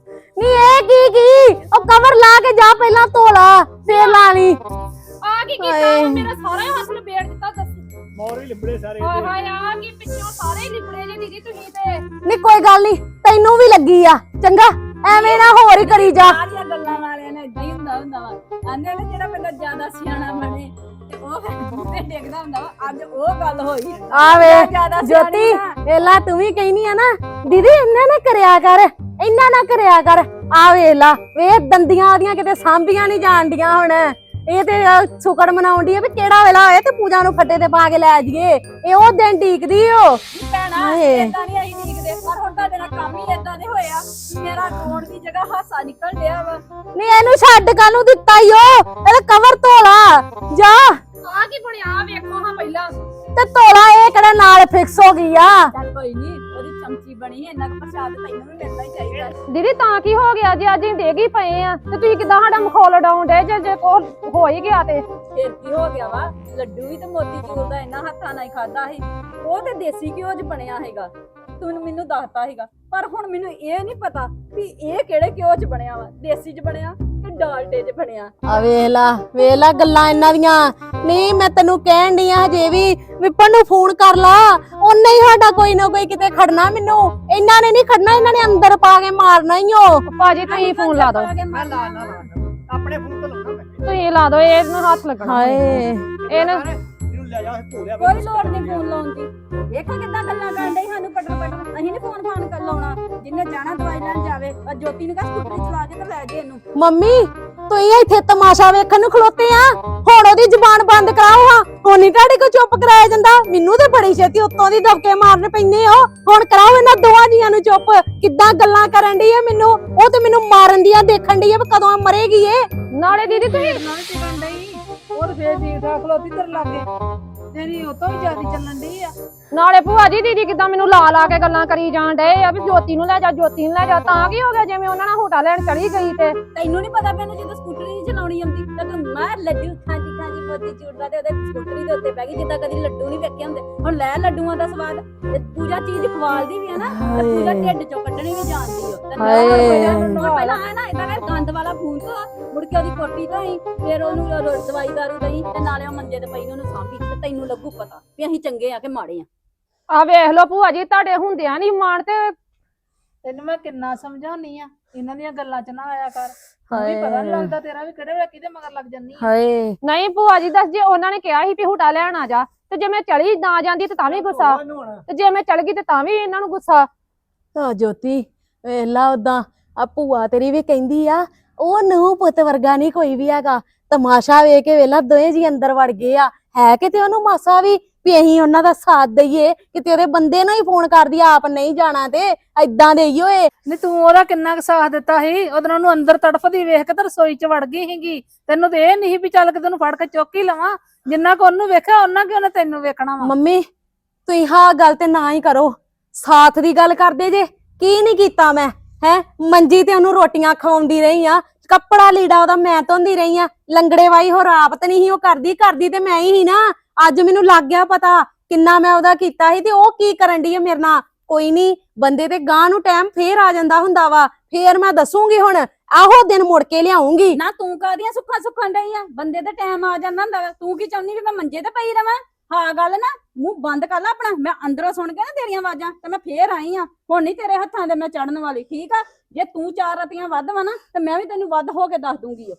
Speaker 1: ਨੀ ਇਹ ਕੀ ਕੀ ਉਹ ਕਵਰ ਲਾ ਕੇ ਜਾ ਪਹਿਲਾਂ ਧੋਲਾ ਫੇਰ ਲਾ ਲਈ।
Speaker 2: ਆ ਕੀ ਕੀਤਾ
Speaker 1: ਹਾਏ।
Speaker 2: ਵਾ? ਮੇਰਾ ਸਾਰਾ ਹੀ ਹੱਥ ਲਪੇੜ ਦਿੱਤਾ ਦੱਸ।
Speaker 4: ਮੋਰ ਵੀ ਲਿਬੜੇ ਸਾਰੇ
Speaker 2: ਹਾਏ
Speaker 4: ਇਹਦੇ।
Speaker 2: ਹਾਏ ਆ ਕੀ ਪਿੱਛੋਂ ਸਾਰੇ ਹੀ ਲਿਬੜੇ ਜੇ ਦੀਦੀ ਤੁਸੀਂ ਤੇ।
Speaker 1: ਨੀ ਕੋਈ ਗੱਲ ਨਹੀਂ ਤੈਨੂੰ ਵੀ ਲੱਗੀ ਆ ਚੰਗਾ ਐਵੇਂ ਨਾ ਹੋਰ ਹੀ ਕਰੀ ਜਾ।
Speaker 5: ਸਾਰੀਆਂ ਗੱਲਾਂ ਵਾਲਿਆਂ ਨੇ ਇਦਾਂ ਹੀ ਹੁੰਦਾ ਹੁੰਦਾ ਵਾ। ਆਂਦੇ ਨੇ ਜਿਹੜਾ ਬੰਦਾ ਜ਼ਿਆਦਾ ਸਿਆਣਾ ਬਣੇ ਤੇ ਉਹ ਫਿਰ ਬੂਟੇ ਡਿੱਗਦਾ ਹੁੰਦਾ ਵਾ। ਅੱਜ ਉਹ ਗੱਲ ਹੋਈ।
Speaker 1: ਆ ਵੇ
Speaker 5: ਜ਼ਿਆਦਾ
Speaker 1: ਜੋਤੀ
Speaker 5: ਸਿਆਣੀ ਆ।
Speaker 1: ਵੇਲਾ ਤੂੰ ਵੀ ਕਹਿਨੀ ਆ ਨਾ ਦੀਦੀ ਇਹਨਾਂ ਨਾ ਕਰਿਆ ਕਰ ਇਹਨਾਂ ਨਾ ਕਰਿਆ ਕਰ। ਆ ਵੇਲਾ ਵੇ ਦੰਦੀਆਂ ਉਹਦੀਆਂ ਕਿਤੇ ਸਾਂਭੀਆਂ ਨਹੀਂ ਜਾਣਦੀਆਂ ਹੁਣ। ਇਹ ਤੇ ਸੁਕੜ ਮਨਾਉਂਦੀ ਆ ਵੀ ਕਿਹੜਾ ਵੇਲਾ ਹੋਏ ਤੇ ਪੂਜਾ ਨੂੰ ਫੱਟੇ ਤੇ ਪਾ ਕੇ ਲੈ ਜਾਈਏ। ਇਹ ਉਹ ਦਿਨ ਢੀਕਦੀ ਓ।
Speaker 5: ਨਹੀਂ ਭੈਣਾ
Speaker 1: ਹਾਏ।
Speaker 5: ਏਦਾਂ ਨਹੀਂ ਅਸੀਂ ਡੀਕਦੇ ਪਰ ਹੁਣ ਤੁਹਾਡੇ ਨਾਲ ਕੰਮ ਹੀ ਏਦਾਂ ਦੇ ਹੋਇਆ। ਮੇਰਾ ਰੋਣ ਦੀ ਜਗ੍ਹਾ ਹਾਸਾ ਨਿਕਲ ਡਿਆ ਵਾ।
Speaker 1: ਨਹੀਂ ਇਹਨੂੰ ਛੱਡ ਕਾਹਨੂੰ ਦਿੱਤਾ ਈ ਓ। ਇਹਦਾ ਕਵਰ ਧੋਲਾ ਜਾ
Speaker 2: ਆ ਕੀ ਬਣਿਆ ਵੇਖੋ ਹਾਂ ਪਹਿਲਾਂ।
Speaker 1: ਤੇ ਧੋਲਾ। ਇਹ ਕਿਹੜਾ ਨਾਲ ਫਿਕਸ ਹੋ ਗਈ ਆ।
Speaker 5: ਚੱਲ ਕੋਈ ਨਹੀਂ ਉਹਦੀ ਚਮਚੀ ਬਣੀ ਹੈ। ਇੰਨਾ ਕੁ ਪ੍ਰਸ਼ਾਦ ਤੈਨੂੰ ਵੀ ਮਿਲਣਾ ਹੀ ਚਾਹੀਦਾ।
Speaker 2: ਦੀਦੀ ਤਾਂ ਕੀ ਹੋ ਗਿਆ ਜੇ ਅੱਜ ਹੀ ਡੇਗ ਹੀ ਪਏ ਆ ਤੇ ਤੁਸੀਂ ਕਿਦਾਂ ਸਾਡਾ ਮਖੌਲ ਡਾਉਣ ਡੇ ਜੇ ਜੇ ਕੋ ਹੋ ਹੀ ਗਿਆ ਤੇ।
Speaker 5: ਫੇਰ ਕੀ ਹੋ ਗਿਆ ਵਾ। ਲੱਡੂ ਵੀ ਤੇ ਮੋਤੀ ਚੂਰ ਦਾ ਇੰਨਾ ਹੱਥਾਂ ਨਾਲ ਹੀ ਖਾਦਾ ਸੀ। ਉਹ ਤੇ ਦੇਸੀ ਘਿਓ 'ਚ ਬਣਿਆ ਹੈਗਾ। ਤੂੰ ਮੈਨੂੰ ਦੱਸਤਾ ਹੈਗਾ ਪਰ ਹੁਣ ਮੈਨੂੰ ਇਹ ਨਹੀਂ ਪਤਾ ਵੀ ਇਹ ਕਿਹੜੇ ਘਿਓ 'ਚ ਬਣਿਆ ਵਾ। ਦੇਸੀ 'ਚ ਬਣਿਆ ਕਿ ਡਾਲਡੇ 'ਚ ਬਣਿਆ।
Speaker 1: ਆ ਵੇਲਾ ਵੇਲਾ ਗੱਲਾਂ ਇਹਨਾਂ ਦੀਆਂ। ਨਹੀਂ ਮੈਂ ਤੈਨੂੰ ਕਹਿਣ ਡਈ ਆ ਹਜੇ ਵੀ ਵਿਪਨ ਨੂੰ ਫੋਨ ਕਰ ਲਾ। ਉਹਨੇ ਹੀ ਸਾਡਾ ਕੋਈ ਨਾ ਕੋਈ ਕਿਤੇ ਖੜਨਾ। ਮੈਨੂੰ ਇਹਨਾਂ ਨੇ ਨਹੀਂ ਖੜਨਾ। ਇਹਨਾਂ ਨੇ ਅੰਦਰ ਪਾ ਕੇ ਮਾਰਨਾ ਹੀ ਓ।
Speaker 2: ਭਾਜੀ ਤੁਸੀਂ ਫੋਨ ਲਾ ਦਿਓ।
Speaker 4: ਮੈਂ ਲਾ ਲਾ ਲਾ ਆਪਣੇ ਫੋਨ ਤੋਂ ਲਾਉਣਾ ਮੈਂ।
Speaker 2: ਤੁਸੀਂ ਲਾ ਦਿਓ ਇਹਨੂੰ ਹੱਥ ਲੱਗਣਾ।
Speaker 1: ਹਾਏ
Speaker 2: ਇਹਨੂੰ
Speaker 4: ਇਹਨੂੰ ਲੈ ਜਾ ਭੋਲਿਆ।
Speaker 5: ਕੋਈ ਲੋੜ ਨਹੀਂ ਫੋਨ ਲਾਉਣ ਦੀ। ਵੇਖੋ ਕਿੱਦਾਂ ਗੱਲਾਂ ਕਰਨ ਡਈ ਸਾਨੂੰ ਪਟਰ ਪਟਰ। ਅਸੀਂ ਨੀ ਫੋਨ ਫਾਨ ਕਰ ਲਾਉਣਾ। ਜਿੰਨੇ ਜਾਣਾ ਦਵਾਈ ਲੈਣ ਜਾਵੇ ਆ ਜੋਤੀ ਨੂੰ ਕਹ ਸਕੂਟਰੀ ਚਲਾ ਕੇ ਤੇ ਲੈ ਜੇ ਇਹਨੂੰ।
Speaker 1: ਮੰਮੀ ਤੁਸੀਂ ਇੱਥੇ ਤਮਾਸ਼ਾ ਵੇਖਣ ਨੂੰ ਖਲੋਤੇ ਆ। ਹੁਣ ਉਹਦੀ ਜ਼ੁਬਾਨ ਬੰਦ ਕਰਾਓ ਹਾਂ। ਹੁਣ ਨੀ ਤੁਹਾਡੇ ਕੋ ਚੁੱਪ ਕਰਾਇਆ ਜਾਂਦਾ। ਮੈਨੂੰ ਤੇ ਬੜੀ ਛੇਤੀ ਉੱਤੋਂ ਦੀ ਦਬਕੇ ਮਾਰਨ ਪੈਂਦੇ ਹੋ। ਹੁਣ ਕਰਾਓ ਇਹਨਾਂ ਦੋਵਾਂ ਜੀਆਂ ਨੂੰ ਚੁੱਪ। ਕਿੱਦਾਂ ਗੱਲਾਂ ਕਰਨ ਡਈ ਆ ਮੈਨੂੰ। ਉਹ ਤੇ ਮੈਨੂੰ ਮਾਰਨ ਦੀਆਂ ਦੇਖਣ ਡਈ ਆ ਵੀ ਕਦੋਂ ਮਰੇਗੀ ਇਹ।
Speaker 2: ਨਾਲੇ ਦੀਦੀ ਤੁਸੀਂ
Speaker 3: ਨਾਲ ਟਿਕਣ ਡਈ ਹੋਰ ਫੇਰ ਠੀਕ ਠਾਕ ਖਲੋਤੀ ਤੇਰੇ ਲਾਗੇ ਤੇਰੀ ਉਹ ਤੋਂ ਵੀ ਜ਼ਿਆਦਾ ਚੱਲਣ ਡਈ ਆ।
Speaker 2: ਨਾਲੇ ਭੂਆ ਜੀ ਦੀਦੀ ਕਿਦਾਂ ਮੈਨੂੰ ਲਾ ਲਾ ਕੇ ਗੱਲਾਂ ਕਰੀ ਜਾਣ ਡਏ ਆ ਵੀ ਜੋਤੀ ਨੂੰ ਲੈ ਜਾ ਜੋਤੀ ਨੂੰ ਲੈ ਜਾ। ਤਾਂ ਕੀ ਹੋ ਗਿਆ ਜਿਵੇਂ ਉਹਨਾਂ ਨਾਲ ਹੋਟਾ ਲੈਣ ਚਲੀ ਗਈ ਤੇ
Speaker 5: ਤੈਨੂੰ ਨਹੀਂ ਪਤਾ ਮੈਨੂੰ ਜਦੋਂ ਸਕੂਟਰੀ ਨਹੀਂ ਚਲਾਉਣੀ ਆਉਂਦੀ ਤਾਂ ਤੂੰ ਮਾਰ ਲੱਡੂ ਖਾਂਦੀ ਖਾਂਦੀ ਮੋਤੀ ਚੂੜਦਾ ਤੇ ਉਹਦੇ ਸਕੂਟਰੀ ਦੇ ਉੱਤੇ ਬਹਿ ਗਈ ਜਿੱਦਾਂ ਕਦੀ ਲੱਡੂ ਨਹੀਂ ਵੇਖੇ ਹੁੰਦੇ। ਹੁਣ ਲੈ ਲੱਡੂਆਂ ਦਾ ਸਵਾਦ ਤੇ ਪੂਜਾ ਚੀਜ਼ ਖਵਾਲਦੀ ਵੀ ਆ ਨਾ ਤੇ ਪੂਜਾ ਢਿੱਡ ਚੋਂ ਕੱਢਣੀ ਵੀ ਜਾਣਦੀ ਓ। ਤੇ ਨਾਲ ਹੁਣ ਪਹਿਲਾਂ ਆ ਨਾ ਇਦਾਂ ਕਰ ਗੰਦ ਵਾਲਾ ਫੋਨ ਤੋਂ ਮੁੜ ਕੇ ਉਹਦੀ ਕੋਟੀ ਤੋਂ ਹੀ ਫਿਰ ਉਹਨੂੰ ਰੋ- ਦਵਾਈ ਦਾਰੂ ਦਈ ਤੇ ਨਾਲੇ ਉਹ ਮੰਜੇ ਤੇ ਪਈ ਨੂੰ ਉਹਨੂੰ ਸਾਂਭੀ ਤੇ ਤੈਨੂੰ ਲੱਗੂ ਪਤਾ ਵੀ ਅਸੀਂ ਚੰਗੇ ਆ ਕਿ ਮਾੜੇ ਆ।
Speaker 2: ਆ ਵੇਖ ਲਓ ਭੂਆ ਜੀ ਤੁਹਾਡੇ ਹੁੰਦਿਆਂ ਨਹੀਂ ਮਾਣ ਤੇ
Speaker 3: ਤੈਨੂੰ ਮੈਂ ਕਿੰਨਾ ਸਮਝਾਉਣੀ ਆ ਇਹਨਾਂ ਦੀਆਂ ਗੱਲਾਂ 'ਚ ਨਾ ਆਇਆ ਕਰ। ਵੀ ਪਤਾ ਨੀ ਲੱਗਦਾ ਤੇਰਾ ਵੀ ਕਿਹੜੇ ਵੇਲੇ ਕਿਹਦੇ ਮਗਰ ਲੱਗ ਜੰਨੀ ਆ।
Speaker 1: ਹਾਏ
Speaker 2: ਨਹੀਂ ਭੂਆ ਜੀ ਦੱਸ ਜੇ ਉਹਨਾਂ ਨੇ ਕਿਹਾ ਸੀ ਵੀ ਹੁਟਾ ਲੈਣ ਆ ਜਾ ਤੇ ਜੇ ਮੈਂ ਚਲੀ ਨਾ ਜਾਂਦੀ ਤੇ ਤਾਂ ਵੀ ਗੁੱਸਾ ਤੇ ਜੇ ਮੈਂ ਚਲ ਗਈ ਤੇ ਤਾਂ ਵੀ ਇਹਨਾਂ ਨੂੰ ਗੁੱਸਾ।
Speaker 1: ਆ ਜੋਤੀ ਵੇਖ ਲਾ ਉਦਾਂ ਆ ਭੂਆ ਤੇਰੀ ਵੀ ਕਹਿੰਦੀ ਆ ਉਹ ਨੂੰ ਪੁੱਤ ਵਰਗਾ ਨਹੀਂ ਕੋਈ ਵੀ ਹੈਗਾ। ਤਮਾਸ਼ਾ ਵੇਖ ਕੇ ਵੇਲਾ ਦੋਵੇਂ ਜੀ ਅੰਦਰ ਵੜ ਗਏ ਆ। ਹੈ ਕਿਤੇ ਉਹਨੂੰ ਮਾਸਾ ਵੀ ਵੀ ਅਸੀਂ ਉਹਨਾਂ ਦਾ ਸਾਥ ਦਈਏ ਕਿਤੇ ਉਹਦੇ ਬੰਦੇ ਨੂੰ ਹੀ ਫੋਨ ਕਰਦੀ ਆਪ ਨਹੀਂ ਜਾਣਾ ਤੇ ਏਦਾਂ ਦੇਈ ਓਏ।
Speaker 3: ਨਹੀਂ ਤੂੰ ਉਹਦਾ ਕਿੰਨਾ ਕੁ ਸਾਥ ਦਿੱਤਾ ਸੀ। ਉਹਦੇ ਨਾਲ ਉਹਨੂੰ ਅੰਦਰ ਤੜਫਦੀ ਵੇਖ ਕੇ ਤੇ ਰਸੋਈ 'ਚ ਵੜ ਗਈ ਸੀਗੀ। ਤੈਨੂੰ ਤੇ ਇਹ ਨਹੀਂ ਵੀ ਚੱਲ ਕੇ ਤੈਨੂੰ ਫੜ ਕੇ ਚੁੱਕ ਹੀ ਲਵਾਂ। ਜਿੰਨਾ ਕੁ ਉਹਨੂੰ ਵੇਖਿਆ ਉਹਨਾਂ ਕਿ ਉਹਨੇ ਤੈਨੂੰ ਵੇਖਣਾ ਵਾ।
Speaker 1: ਮੰਮੀ ਤੁਸੀਂ ਹਾਂ ਗੱਲ ਤੇ ਨਾ ਹੀ ਕਰੋ। ਸਾਥ ਦੀ ਗੱਲ ਕਰਦੇ ਜੇ ਕੀ ਨਹੀਂ ਕੀਤਾ ਮੈਂ ਹੈ। ਮੰਜੀ ਤੇ ਉਹਨੂੰ ਰੋਟੀਆਂ ਖਵਾਉਂਦੀ ਰਹੀ ਆ। ਕੱਪੜਾ ਲੀੜਾ ਉਹਦਾ ਮੈਂ ਧੋਂਦੀ ਰਹੀ ਆ। ਲੰਗੜੇ ਵਾਈ ਹੋਰ ਆਪ ਤੇ ਨਹੀਂ ਉਹ ਕਰਦੀ ਕਰਦੀ ਤੇ ਮੈਂ ਹੀ ਸੀ ਨਾ। ਅੱਜ ਮੈਨੂੰ ਲੱਗ ਗਿਆ ਪਤਾ ਕਿੰਨਾ ਮੈਂ ਉਹਦਾ ਕੀਤਾ ਸੀ ਤੇ ਉਹ ਕੀ ਕਰਨ ਡਈ ਆ ਮੇਰੇ ਨਾਲ। ਕੋਈ ਨਹੀਂ ਬੰਦੇ ਤੇ ਗਾਂ ਨੂੰ ਟਾਈਮ ਫੇਰ ਆ ਜਾਂਦਾ ਹੁੰਦਾ ਵਾ। ਫੇਰ ਮੈਂ ਦੱਸੂਗੀ ਹੁਣ ਆਹੋ ਦਿਨ ਮੁੜ ਕੇ ਲਿਆਉਂਗੀ।
Speaker 5: ਨਾ ਤੂੰ ਕਾਹਦੀਆਂ ਸੁੱਖਾਂ ਸੁੱਖਾਂ ਡਈ ਆ। ਬੰਦੇ ਦਾ ਟਾਈਮ ਆ ਜਾਂਦਾ ਹੁੰਦਾ ਵਾ। ਤੂੰ ਕੀ ਚਾਹੁੰਦੀ ਵੀ ਮੈਂ ਮੰਜੇ ਤੇ ਪਈ ਰਵਾਂ। ਹਾਂ ਗੱਲ ਨਾ ਮੂੰਹ ਬੰਦ ਕਰ ਲੈ ਆਪਣਾ। ਮੈਂ ਅੰਦਰੋਂ ਸੁਣ ਕੇ ਨਾ ਤੇਰੀਆਂ ਆਵਾਜ਼ਾਂ ਤੇ ਮੈਂ ਫੇਰ ਆਈ ਆ। ਹੁਣ ਨਹੀਂ ਤੇਰੇ ਹੱਥਾਂ ਦੇ ਮੈਂ ਚੜਨ ਵਾਲੀ ਠੀਕ ਆ। ਜੇ ਤੂੰ ਚਾਰ ਰਤੀਆਂ ਵੱਧ ਵਾ ਨਾ ਤੇ ਮੈਂ ਵੀ ਤੈਨੂੰ ਵੱਧ ਹੋ ਕੇ ਦੱਸ ਦੂੰਗੀ।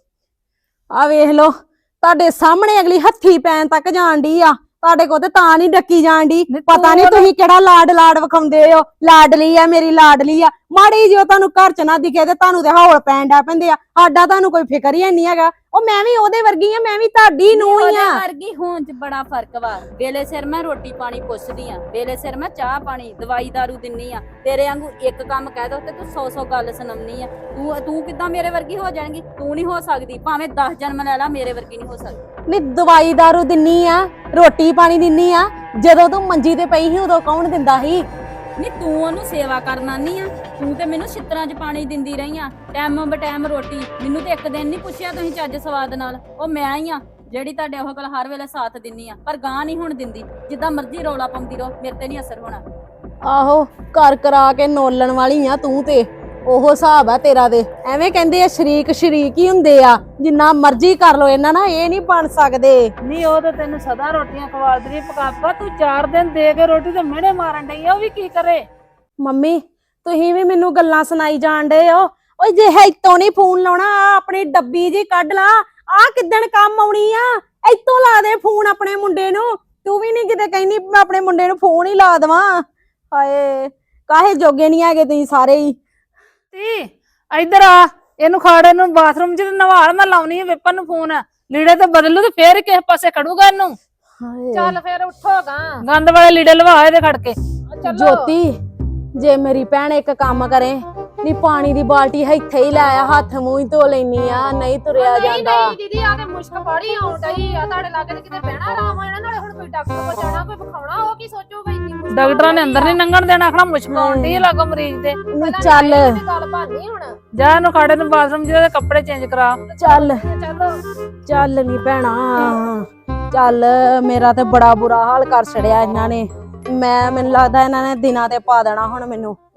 Speaker 1: ਆ ਵੇਖ ਲੋ ਤੁਹਾਡੇ ਸਾਹਮਣੇ ਅਗਲੀ ਹੱਥੀ ਪੈਣ ਤੱਕ ਜਾਣ ਡਈ ਆ। ਤੁਹਾਡੇ ਕੋਲ ਤੇ ਤਾਂ ਨਹੀਂ ਡੱਕੀ ਜਾਣ ਡਈ। ਪਤਾ ਨਹੀਂ ਤੁਸੀਂ ਕਿਹੜਾ ਲਾਡ ਲਾਡ ਵਿਖਾਉਂਦੇ ਹੋ। ਲਾਡਲੀ ਆ ਮੇਰੀ ਲਾਡਲੀ ਆ। ਮਾੜੀ ਜਿਹਾ ਤੁਹਾਨੂੰ ਘਰ ਚ ਨਾ ਦਿਖੇ ਤੇ ਤੁਹਾਨੂੰ ਤੇ ਹੌਲ ਪੈਣ ਡਾ ਪੈਂਦੇ ਆ। ਸਾਡਾ ਤੁਹਾਨੂੰ ਕੋਈ ਫਿਕਰ ਹੀ ਨਹੀਂ ਹੈਗਾ। ਉਹ ਮੈਂ ਵੀ ਉਹਦੇ ਵਰਗੀ ਆ। ਮੈਂ ਵੀ ਤੁਹਾਡੀ ਨੂੰ ਹੀ ਆ।
Speaker 5: ਵਰਗੀ ਹੋਣ ਚ ਬੜਾ ਫਰਕ ਵਾ। ਵੇਲੇ ਸਿਰ ਮੈਂ ਰੋਟੀ ਪਾਣੀ ਪੁੱਛਦੀ ਆ। ਵੇਲੇ ਸਿਰ ਮੈਂ ਚਾਹ ਪਾਣੀ ਦਵਾਈ ਦਾਰੂ ਦਿੰਨੀ ਆ। ਤੇਰੇ ਵਾਂਗੂ ਇੱਕ ਕੰਮ ਕਹਿ ਦੋ ਤੇ ਤੂੰ ਸੌ ਸੌ ਗੱਲ ਸੁਣਾਉਣੀ ਆ। ਤੂੰ ਤੂੰ ਕਿੱਦਾਂ ਮੇਰੇ ਵਰਗੀ ਹੋ ਜਾਏਂਗੀ। ਤੂੰ ਨਹੀਂ ਹੋ ਸਕਦੀ ਭਾਵੇਂ ਦਸ ਜਨਮ ਲੈ ਲਾ ਮੇਰੇ ਵਰਗੀ ਨਹੀਂ ਹੋ ਸਕਦੀ।
Speaker 1: ਨਹੀਂ ਦਵਾਈ ਦਾਰੂ ਦਿੰਨੀ ਆ ਰੋਟੀ ਪਾਣੀ ਦਿੰਨੀ ਆ। ਜਦੋਂ ਤੂੰ ਮੰਜੀ ਤੇ ਪਈ ਸੀ ਉਦੋਂ ਕੌਣ ਦਿੰਦਾ ਸੀ।
Speaker 5: ਨਹੀਂ ਤੂੰ ਉਹਨੂੰ ਸੇਵਾ ਕਰਨ ਆਨੀ ਆ। ਤੂੰ ਤੇ ਮੈਨੂੰ ਛਿੱਤਰਾਂ 'ਚ ਪਾਣੀ ਦਿੰਦੀ ਰਹੀ ਆ। ਟਾਈਮ ਬ ਟਾਈਮ ਰੋਟੀ। ਮੈਨੂੰ ਤੇ ਇੱਕ ਦਿਨ ਨਹੀਂ ਪੁੱਛਿਆ ਤੁਸੀਂ ਚੱਜ ਸਵਾਦ ਨਾਲ। ਉਹ ਮੈਂ ਹੀ ਆ ਜਿਹੜੀ ਤੁਹਾਡੇ ਉਹ ਕੋਲ ਹਰ ਵੇਲੇ ਸਾਥ ਦਿੰਨੀ ਆ। ਪਰ ਗਾਂ ਨਹੀਂ ਹੁਣ ਦਿੰਦੀ। ਜਿੱਦਾਂ ਮਰਜ਼ੀ ਰੌਲਾ ਪਾਉਂਦੀ ਰਹੋ ਮੇਰੇ ਤੇ ਨਹੀਂ ਅਸਰ ਹੋਣਾ।
Speaker 1: ਆਹੋ ਘਰ ਕਰਾ ਕੇ ਨੋਲਣ ਵਾਲੀ ਆ ਤੂੰ ਤੇ। ਉਹ ਹਿਸਾਬ ਆ ਤੇਰਾ ਤੇ। ਐਵੇਂ ਕਹਿੰਦੇ ਆ ਸ਼ਰੀਕ ਸ਼ਰੀਕ ਹੀ ਹੁੰਦੇ ਆ। ਜਿੰਨਾ ਮਰਜ਼ੀ ਕਰ ਲੋ ਇਹਨਾਂ ਨਾਲ ਇਹ ਨਹੀਂ ਬਣ ਸਕਦੇ।
Speaker 3: ਨਹੀਂ ਉਹ ਤਾਂ ਤੈਨੂੰ ਸਦਾ ਰੋਟੀਆਂ ਖਵਾਲਦੀ ਰਹੀ ਪਕਾਪਾ। ਤੂੰ ਚਾਰ ਦਿਨ ਦੇ ਕੇ ਰੋਟੀ ਤੇ ਮਿਹਣੇ ਮਾਰਨ ਡਈ ਆ। ਉਹ ਵੀ ਕੀ ਕਰੇ।
Speaker 1: ਮੰਮੀ ਤੁਸੀਂ ਵੀ ਮੈਨੂੰ ਗੱਲਾਂ ਸੁਣਾਈ ਜਾਣ ਡੇ ਹੋ। ਓਏ ਜੇ ਇੱਥੋਂ ਨਹੀਂ ਫੋਨ ਲਾਉਣਾ ਆ ਆਪਣੀ ਡੱਬੀ ਜੀ ਕੱਢ ਲਾ। ਆ ਕਿੱਦਣ ਕੰਮ ਆਉਣੀ ਆ। ਇੱਥੋਂ ਲਾ ਦੇ ਫੋਨ ਆਪਣੇ ਮੁੰਡੇ ਨੂੰ। ਤੂੰ ਵੀ ਨਹੀਂ ਕਿਤੇ ਕਹਿੰਦੀ ਮੈਂ ਆਪਣੇ ਮੁੰਡੇ ਨੂੰ ਫੋਨ ਹੀ ਲਾ ਦੇਵਾਂ। ਹਾਏ ਕਾਹੇ ਜੋਗੇ ਨਹੀਂ ਹੈਗੇ ਤੁਸੀਂ ਸਾਰੇ ਹੀ।
Speaker 3: ਤੀ ਇੱਧਰ ਆ ਇਹਨੂੰ ਖਾੜੇ ਨੂੰ ਬਾਥਰੂਮ 'ਚ ਨਵਾਲ ਮੈਂ ਲਾਉਣੀ ਆ ਵਿਪਨ ਨੂੰ ਫੋਨ। ਲੀੜੇ ਤੇ ਬਦਲੂ ਤੇ ਫੇਰ ਕਿਸੇ ਪਾਸੇ ਖੜੂਗਾ ਇਹਨੂੰ।
Speaker 2: ਚੱਲ ਫੇਰ ਉੱਠੋਗਾ
Speaker 3: ਗੰਦ ਵਾਲੇ ਲੀੜੇ ਲਵਾ ਇਹਦੇ ਖੜ ਕੇ।
Speaker 1: ਜੋਤੀ ਜੇ ਮੇਰੀ ਭੈਣ ਇੱਕ ਕੰਮ ਕਰੇ ਨੀ ਪਾਣੀ ਦੀ ਬਾਲਟੀ ਇੱਥੇ ਹੀ ਲੈ ਆ ਹੱਥ ਮੂੰਹ ਹੀ ਧੋ ਲੈਣੀ ਆ। ਨਹੀਂ ਤੁਰਿਆ
Speaker 2: ਨਹੀਂ
Speaker 1: ਜਾਂਦਾ।
Speaker 2: ਨਹੀਂ ਦੀਦੀ ਆ ਤੇ ਮੁਸ਼ਕ ਬੜੀ ਆਉਣ ਡਈ ਆ। ਤੁਹਾਡੇ ਲਾਗੇ ਤੇ ਕਿਤੇ ਬਹਿਣਾ ਆਰਾਮ ਹੋਣਾ ਨਾਲੇ ਹੁਣ ਕੋਈ ਡਾਕਟਰ ਕੋਲ ਜਾਣਾ ਕੋਈ ਵਿਖਾਉਣਾ। ਉਹ ਕੀ ਸੋਚੂਗਾ ਇੰਨੀ ਮੁਸ਼ਕ।
Speaker 3: ਡਾਕਟਰਾਂ ਨੇ ਅੰਦਰ ਨਹੀਂ ਲੰਘਣ ਦੇਣਾ। ਆਖਣਾ ਮੁਸ਼ਕ ਆਉਂਦੀ ਹੈ ਲਾਗੋ ਮਰੀਜ਼ ਦੇ।
Speaker 1: ਨੀ ਚੱਲ
Speaker 2: ਗੱਲ ਬਾਨੀ ਹੁਣ।
Speaker 3: ਜਾ ਇਹਨੂੰ ਖਾੜੇ ਨੂੰ ਬਾਥਰੂਮ 'ਚ ਇਹਦੇ ਕੱਪੜੇ ਚੇਂਜ ਕਰਾ।
Speaker 1: ਚੱਲ
Speaker 2: ਚਲੋ
Speaker 1: ਚੱਲ ਨੀ ਭੈਣਾ ਚੱਲ। ਮੇਰਾ ਤੇ ਬੜਾ ਬੁਰਾ ਹਾਲ ਕਰ ਛੜਿਆ ਇਹਨਾਂ ਨੇ। ਮੈਂ ਮੈਨੂੰ ਲੱਗਦਾ ਇਹਨਾਂ ਨੇ ਦਿਨਾਂ ਤੇ ਪਾ ਦੇਣਾ ਹੁਣ ਮੈਨੂੰ।